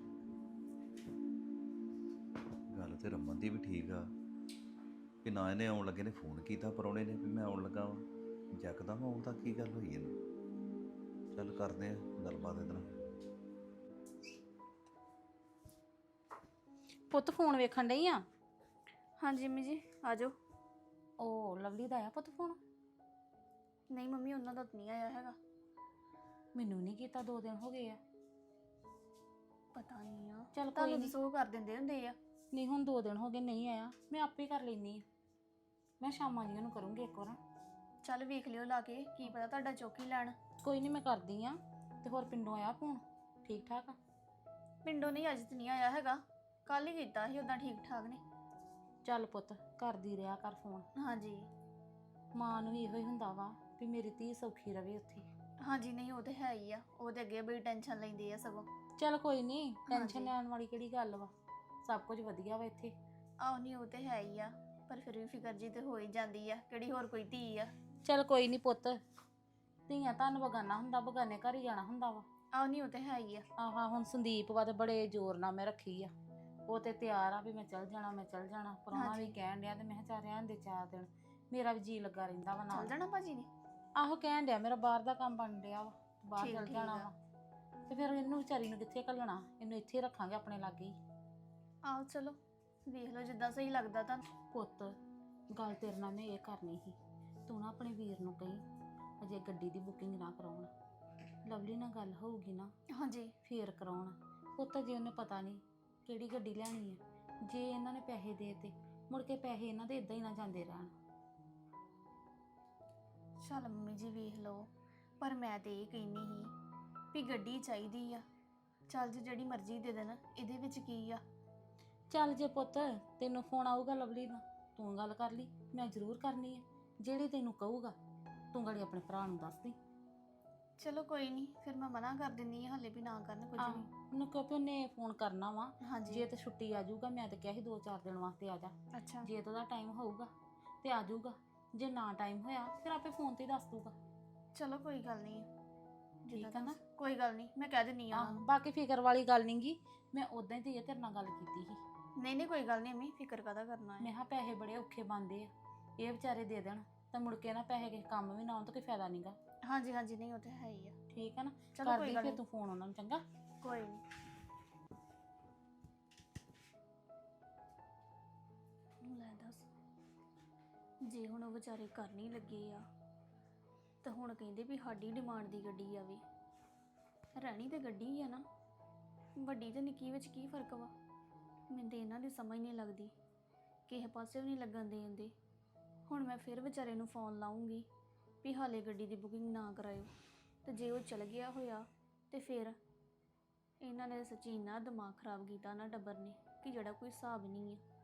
S10: ਗੱਲ ਤੇ ਰਮਨ ਦੀ ਵੀ ਠੀਕ ਆ ਕਿ ਨਾ ਇਹਨੇ ਆਉਣ ਲੱਗੇ ਨੇ ਫੋਨ ਕੀਤਾ ਪ੍ਰਾਹੁਣੇ ਨੇ ਵੀ ਮੈਂ ਆਉਣ ਲੱਗਾ ਵਾਂ। ਜੱਕਦਮ ਆਉਣ ਤਾਂ ਕੀ ਗੱਲ ਹੋਈ ਇਹਨੂੰ। ਚੱਲ ਕਰਦੇ ਆ ਗੱਲਬਾਤ ਇਹਦੇ ਨਾਲ।
S7: ਪੁੱਤ ਫੋਨ ਵੇਖਣ ਡਈ ਆ?
S11: ਹਾਂਜੀ ਮੰਮੀ ਜੀ, ਆ ਜਾਓ।
S7: ਉਹ ਲਵਲੀ ਦਾ ਆਇਆ ਪੁੱਤ ਫੋਨ?
S11: ਨਹੀਂ ਮੰਮੀ, ਉਹਨਾਂ ਦਾ ਤਾਂ ਨਹੀਂ ਆਇਆ ਹੈਗਾ।
S7: ਮੈਨੂੰ ਨਹੀਂ ਕੀਤਾ, ਦੋ ਦਿਨ ਹੋ ਗਏ ਆ।
S11: ਪਤਾ ਨਹੀਂ ਆ,
S7: ਚੱਲ ਕੋਈ
S11: ਤੁਹਾਨੂੰ
S7: ਨਹੀਂ।
S11: ਦੱਸੋ ਕਰ ਦਿੰਦੇ ਹੁੰਦੇ ਆ।
S7: ਨਹੀਂ, ਹੁਣ ਦੋ ਦਿਨ ਹੋ ਗਏ ਨਹੀਂ ਆਇਆ, ਮੈਂ ਆਪੇ ਕਰ ਲੈਣੀ ਆ। ਮੈਂ ਸ਼ਾਮਾਂ ਜੀ ਉਹਨੂੰ ਕਰੂੰਗੀ ਇੱਕ ਵਾਰ।
S11: ਚੱਲ ਵੇਖ ਲਿਓ ਲਾ ਕੇ, ਕੀ ਪਤਾ ਤੁਹਾਡਾ ਚੌਕੀ ਲੈਣ।
S7: ਕੋਈ ਨਹੀਂ, ਮੈਂ ਕਰਦੀ ਆ। ਤੇ ਹੋਰ ਪਿੰਡੋਂ ਆਇਆ ਫੋਨ? ਠੀਕ ਠਾਕ ਆ?
S11: ਪਿੰਡੋਂ ਨਹੀਂ, ਅੱਜ ਤਾਂ ਨਹੀਂ ਆਇਆ ਹੈਗਾ। ਕੱਲ ਹੀ ਕੀਤਾ ਸੀ, ਉਦਾਂ ਠੀਕ ਠਾਕ ਨੇ।
S7: ਚੱਲ ਪੁੱਤ, ਕਰਦੀ ਰਿਹਾ ਕਰ ਫੋਨ।
S11: ਹਾਂਜੀ
S7: ਮਾਂ ਨੂੰ ਵੀ ਇਹੋ ਹੀ ਹੁੰਦਾ ਵਾ ਵੀ ਮੇਰੀ ਧੀ ਸੌਖੀ ਰਵੇ ਉੱਥੇ।
S11: ਹਾਂਜੀ, ਨਹੀਂ ਉਹ ਤੇ ਹੈ ਹੀ ਆ, ਉਹਦੇ ਅੱਗੇ ਬੜੀ ਟੈਨਸ਼ਨ ਲੈਂਦੇ ਆ ਸਗੋਂ।
S7: ਚੱਲ ਕੋਈ ਨਹੀਂ, ਟੈਨਸ਼ਨ
S11: ਹਾਂਜੀ।
S7: ਲੈਣ ਵਾਲੀ ਕਿਹੜੀ ਗੱਲ ਵਾ, ਸਭ ਕੁਝ ਵਧੀਆ ਵਾ ਇੱਥੇ।
S11: ਆਹ ਨਹੀਂ, ਉਹ ਤੇ ਹੈ ਹੀ ਆ, ਪਰ ਫਿਰ ਵੀ ਫਿਕਰ ਜੀ ਤੇ ਹੋ ਹੀ ਜਾਂਦੀ ਆ, ਕਿਹੜੀ ਹੋਰ ਕੋਈ ਧੀ ਆ।
S7: ਚੱਲ ਕੋਈ ਨਹੀਂ ਪੁੱਤ, ਧੀਆਂ ਤੁਹਾਨੂੰ ਬਗਾਨਾ ਹੁੰਦਾ, ਬਗਾਨੇ ਘਰ ਹੀ ਜਾਣਾ ਹੁੰਦਾ ਵਾ।
S11: ਆਹ ਨਹੀਂ, ਉਹ ਤੇ ਹੈ ਹੀ ਆ।
S7: ਆਹਾ, ਹੁਣ ਸੰਦੀਪ ਵਾ ਤੇ ਬੜੇ ਜ਼ੋਰ ਨਾਲ ਮੈਂ ਰੱਖੀ ਆ। ਉਹ ਤੇ ਤਿਆਰ ਆ ਵੀ ਮੈਂ ਚੱਲ ਜਾਣਾ, ਮੈਂ ਚੱਲ ਜਾਣਾ। ਪ੍ਰਾਹੁਣਾ
S11: ਹਾਂਜੀ।
S7: ਵੀ ਕਹਿਣ ਡਿਆ ਤੇ ਮੈਂ ਕਿਹਾ ਚੱਲ ਰਹਿਣ ਦੇ ਚਾਰ ਦਿਨ, ਮੇਰਾ ਵੀ ਜੀ ਲੱਗਾ ਰਹਿੰਦਾ ਵਾ
S11: ਚੱਲ
S7: ਨਾਲ।
S11: ਜਾਣਾ ਭਾਜੀ ਨੇ?
S7: ਆਹੋ, ਕਹਿਣ ਡਿਆ ਮੇਰਾ ਬਾਹਰ ਦਾ ਕੰਮ ਬਣ ਡਿਆ ਵਾ, ਬਾਹਰ
S11: ਠੀਕ-
S7: ਚੱਲ
S11: ਠੀਕ
S7: ਜਾਣਾ
S11: ਆ।
S7: ਵਾ। ਤੇ ਫਿਰ ਇਹਨੂੰ ਵਿਚਾਰੀ ਨੂੰ ਕਿੱਥੇ ਘੱਲਣਾ, ਇਹਨੂੰ ਇੱਥੇ ਹੀ ਰੱਖਾਂਗੇ ਆਪਣੇ ਲਾਗੇ ਹੀ।
S11: ਆਹੋ ਚਲੋ, ਵੇਖ ਲਓ ਜਿੱਦਾਂ ਸਹੀ ਲੱਗਦਾ ਤੁਹਾਨੂੰ।
S7: ਪੁੱਤ, ਗੱਲ ਤੇਰੇ ਨਾਲ ਮੈਂ ਇਹ ਕਰਨੀ ਸੀ, ਤੂੰ ਨਾ ਆਪਣੇ ਵੀਰ ਨੂੰ ਕਹੀਂ ਅਜੇ ਗੱਡੀ ਦੀ ਬੁਕਿੰਗ ਨਾ ਕਰਾਉਣ। ਲਵਲੀ ਨਾਲ ਗੱਲ ਹੋਊਗੀ ਨਾ
S11: ਹਾਂਜੀ
S7: ਫੇਰ ਕਰਾਉਣ। ਪੁੱਤ, ਜੇ ਉਹਨੇ ਪਤਾ ਨਹੀਂ ਕਿਹੜੀ ਗੱਡੀ ਲੈਣੀ ਹੈ, ਜੇ ਇਹਨਾਂ ਨੇ ਪੈਸੇ ਦੇ ਤੇ ਮੁੜ ਕੇ ਪੈਸੇ ਇਹਨਾਂ ਦੇ ਇਦਾਂ ਹੀ ਨਾ ਜਾਂਦੇ ਰਹਿਣ।
S11: ਚੱਲ ਮੰਮੀ ਜੀ ਵੇਖ ਲਓ, ਪਰ ਮੈਂ ਤੇ ਇਹ ਕਹਿੰਨੀ ਸੀ ਵੀ ਗੱਡੀ ਚਾਹੀਦੀ ਆ। ਚੱਲ ਜੇ ਜਿਹੜੀ ਮਰਜ਼ੀ ਦੇ ਦੇਣ, ਇਹਦੇ ਵਿੱਚ ਕੀ ਆ।
S7: ਚੱਲ ਜੇ ਪੁੱਤ ਤੈਨੂੰ ਫੋਨ ਆਊਗਾ ਲਵਲੀ ਦਾ, ਤੂੰ ਗੱਲ ਕਰ ਲਈ, ਮੈਂ ਜ਼ਰੂਰ ਕਰਨੀ ਹੈ। ਜਿਹੜੀ ਤੈਨੂੰ ਕਹੂਗਾ ਤੂੰ ਗਾੜੀ ਆਪਣੇ ਭਰਾ ਨੂੰ ਦੱਸ ਦੇ।
S11: ਚਲੋ ਕੋਈ ਨਹੀਂ, ਫਿਰ ਮੈਂ ਮਨਾ ਕਰ ਦਿੰਦੀ ਹਾਂ, ਹਲੇ ਵੀ ਨਾ ਕਰਨ ਕੁਝ ਵੀ।
S7: ਉਹਨੂੰ ਕਹੋ ਵੀ ਉਹਨੇ ਫੋਨ ਕਰਨਾ ਵਾ,
S11: ਹਾਂਜੀ
S7: ਜੇ ਤੇ ਛੁੱਟੀ ਆ ਜਾਊਗਾ, ਮੈਂ ਤਾਂ ਕਿਹਾ ਸੀ ਦੋ ਚਾਰ ਦਿਨ ਵਾਸਤੇ ਆ ਜਾ।
S11: ਅੱਛਾ
S7: ਜੇ ਤਾਂ ਉਹਦਾ ਟਾਈਮ ਹੋਊਗਾ ਤੇ ਆ ਜਾਊਗਾ, ਜੇ ਨਾ ਟਾਈਮ ਹੋਇਆ ਫਿਰ ਆਪੇ ਫੋਨ ਤੇ ਹੀ ਦੱਸ ਦੂਗਾ।
S11: ਚਲੋ ਕੋਈ ਗੱਲ ਨਹੀਂ,
S7: ਠੀਕ ਆ ਨਾ?
S11: ਕੋਈ ਗੱਲ ਨਹੀਂ, ਮੈਂ ਕਹਿ ਦਿੰਦੀ ਹਾਂ।
S7: ਆਹ, ਬਾਕੀ ਫਿਕਰ ਵਾਲੀ ਗੱਲ ਨਹੀਂਗੀ, ਮੈਂ ਉਦਾਂ ਹੀ ਤੇ ਤੇਰੇ ਨਾਲ ਗੱਲ ਕੀਤੀ ਸੀ।
S11: ਨਹੀਂ ਨਹੀਂ ਕੋਈ ਗੱਲ ਨਹੀਂ ਅਮੀ, ਫਿਕਰ ਕਾਹਦਾ ਕਰਨਾ ਹੈ।
S7: ਮੈਂ ਕਿਹਾ ਪੈਸੇ ਬੜੇ ਔਖੇ ਬਣਦੇ ਆ, ਇਹ ਵਿਚਾਰੇ ਦੇ ਦੇਣ ਤਾਂ ਮੁੜ ਕੇ ਨਾ ਪੈਸੇ ਕਿਸੇ ਕੰਮ ਵੀ ਨਾ ਆਉਣ ਤਾਂ ਕੋਈ ਫਾਇਦਾ ਨਹੀਂਗਾ।
S11: ਹਾਂਜੀ ਹਾਂਜੀ, ਨਹੀਂ ਉਹ ਤੇ ਹੈ ਹੀ ਆ।
S7: ਠੀਕ ਆ ਨਾ?
S11: ਚਲੋ ਕੋਈ
S7: ਕਰਦੀ
S11: ਗੱਲ
S7: ਫਿਰ
S11: ਨਹੀਂ।
S7: ਤੂੰ ਫੋਨ ਉਹਨਾਂ ਨੂੰ, ਚੰਗਾ?
S11: ਕੋਈ ਨਹੀਂ। ਲੈ ਦੱਸ, ਜੇ ਹੁਣ ਉਹ ਵਿਚਾਰੇ ਕਰ ਨਹੀਂ ਲੱਗੇ ਆ ਤਾਂ ਹੁਣ ਕਹਿੰਦੇ ਵੀ ਸਾਡੀ ਡਿਮਾਂਡ ਦੀ ਗੱਡੀ ਆਵੇ। ਰਹਿਣੀ ਤੇ ਗੱਡੀ ਹੀ ਆ ਨਾ, ਵੱਡੀ ਤੇ ਨਿੱਕੀ ਵਿੱਚ ਕੀ ਫਰਕ ਵਾ। ਮੈਨੂੰ ਤੇ ਇਹਨਾਂ ਦੀ ਸਮਝ ਨਹੀਂ ਲੱਗਦੀ, ਕਿਸੇ ਪਾਸੇ ਵੀ ਨਹੀਂ ਲੱਗਣ ਦੇ ਦਿੰਦੇ। ਹੁਣ ਮੈਂ ਫਿਰ ਵਿਚਾਰੇ ਨੂੰ ਫੋਨ ਲਾਉਂਗੀ ਵੀ ਹਾਲੇ ਗੱਡੀ ਦੀ ਬੁਕਿੰਗ ਨਾ ਕਰਾਇਓ, ਤੇ ਜੇ ਉਹ ਚਲ ਗਿਆ ਹੋਇਆ ਤੇ ਫਿਰ ਇਹਨਾਂ ਨੇ ਸੱਚੀ ਇੰਨਾ ਦਿਮਾਗ ਖਰਾਬ ਕੀਤਾ ਨਾ ਟੱਬਰ ਨੇ ਕਿ ਜਿਹੜਾ ਕੋਈ ਹਿਸਾਬ ਨਹੀਂ ਹੈ।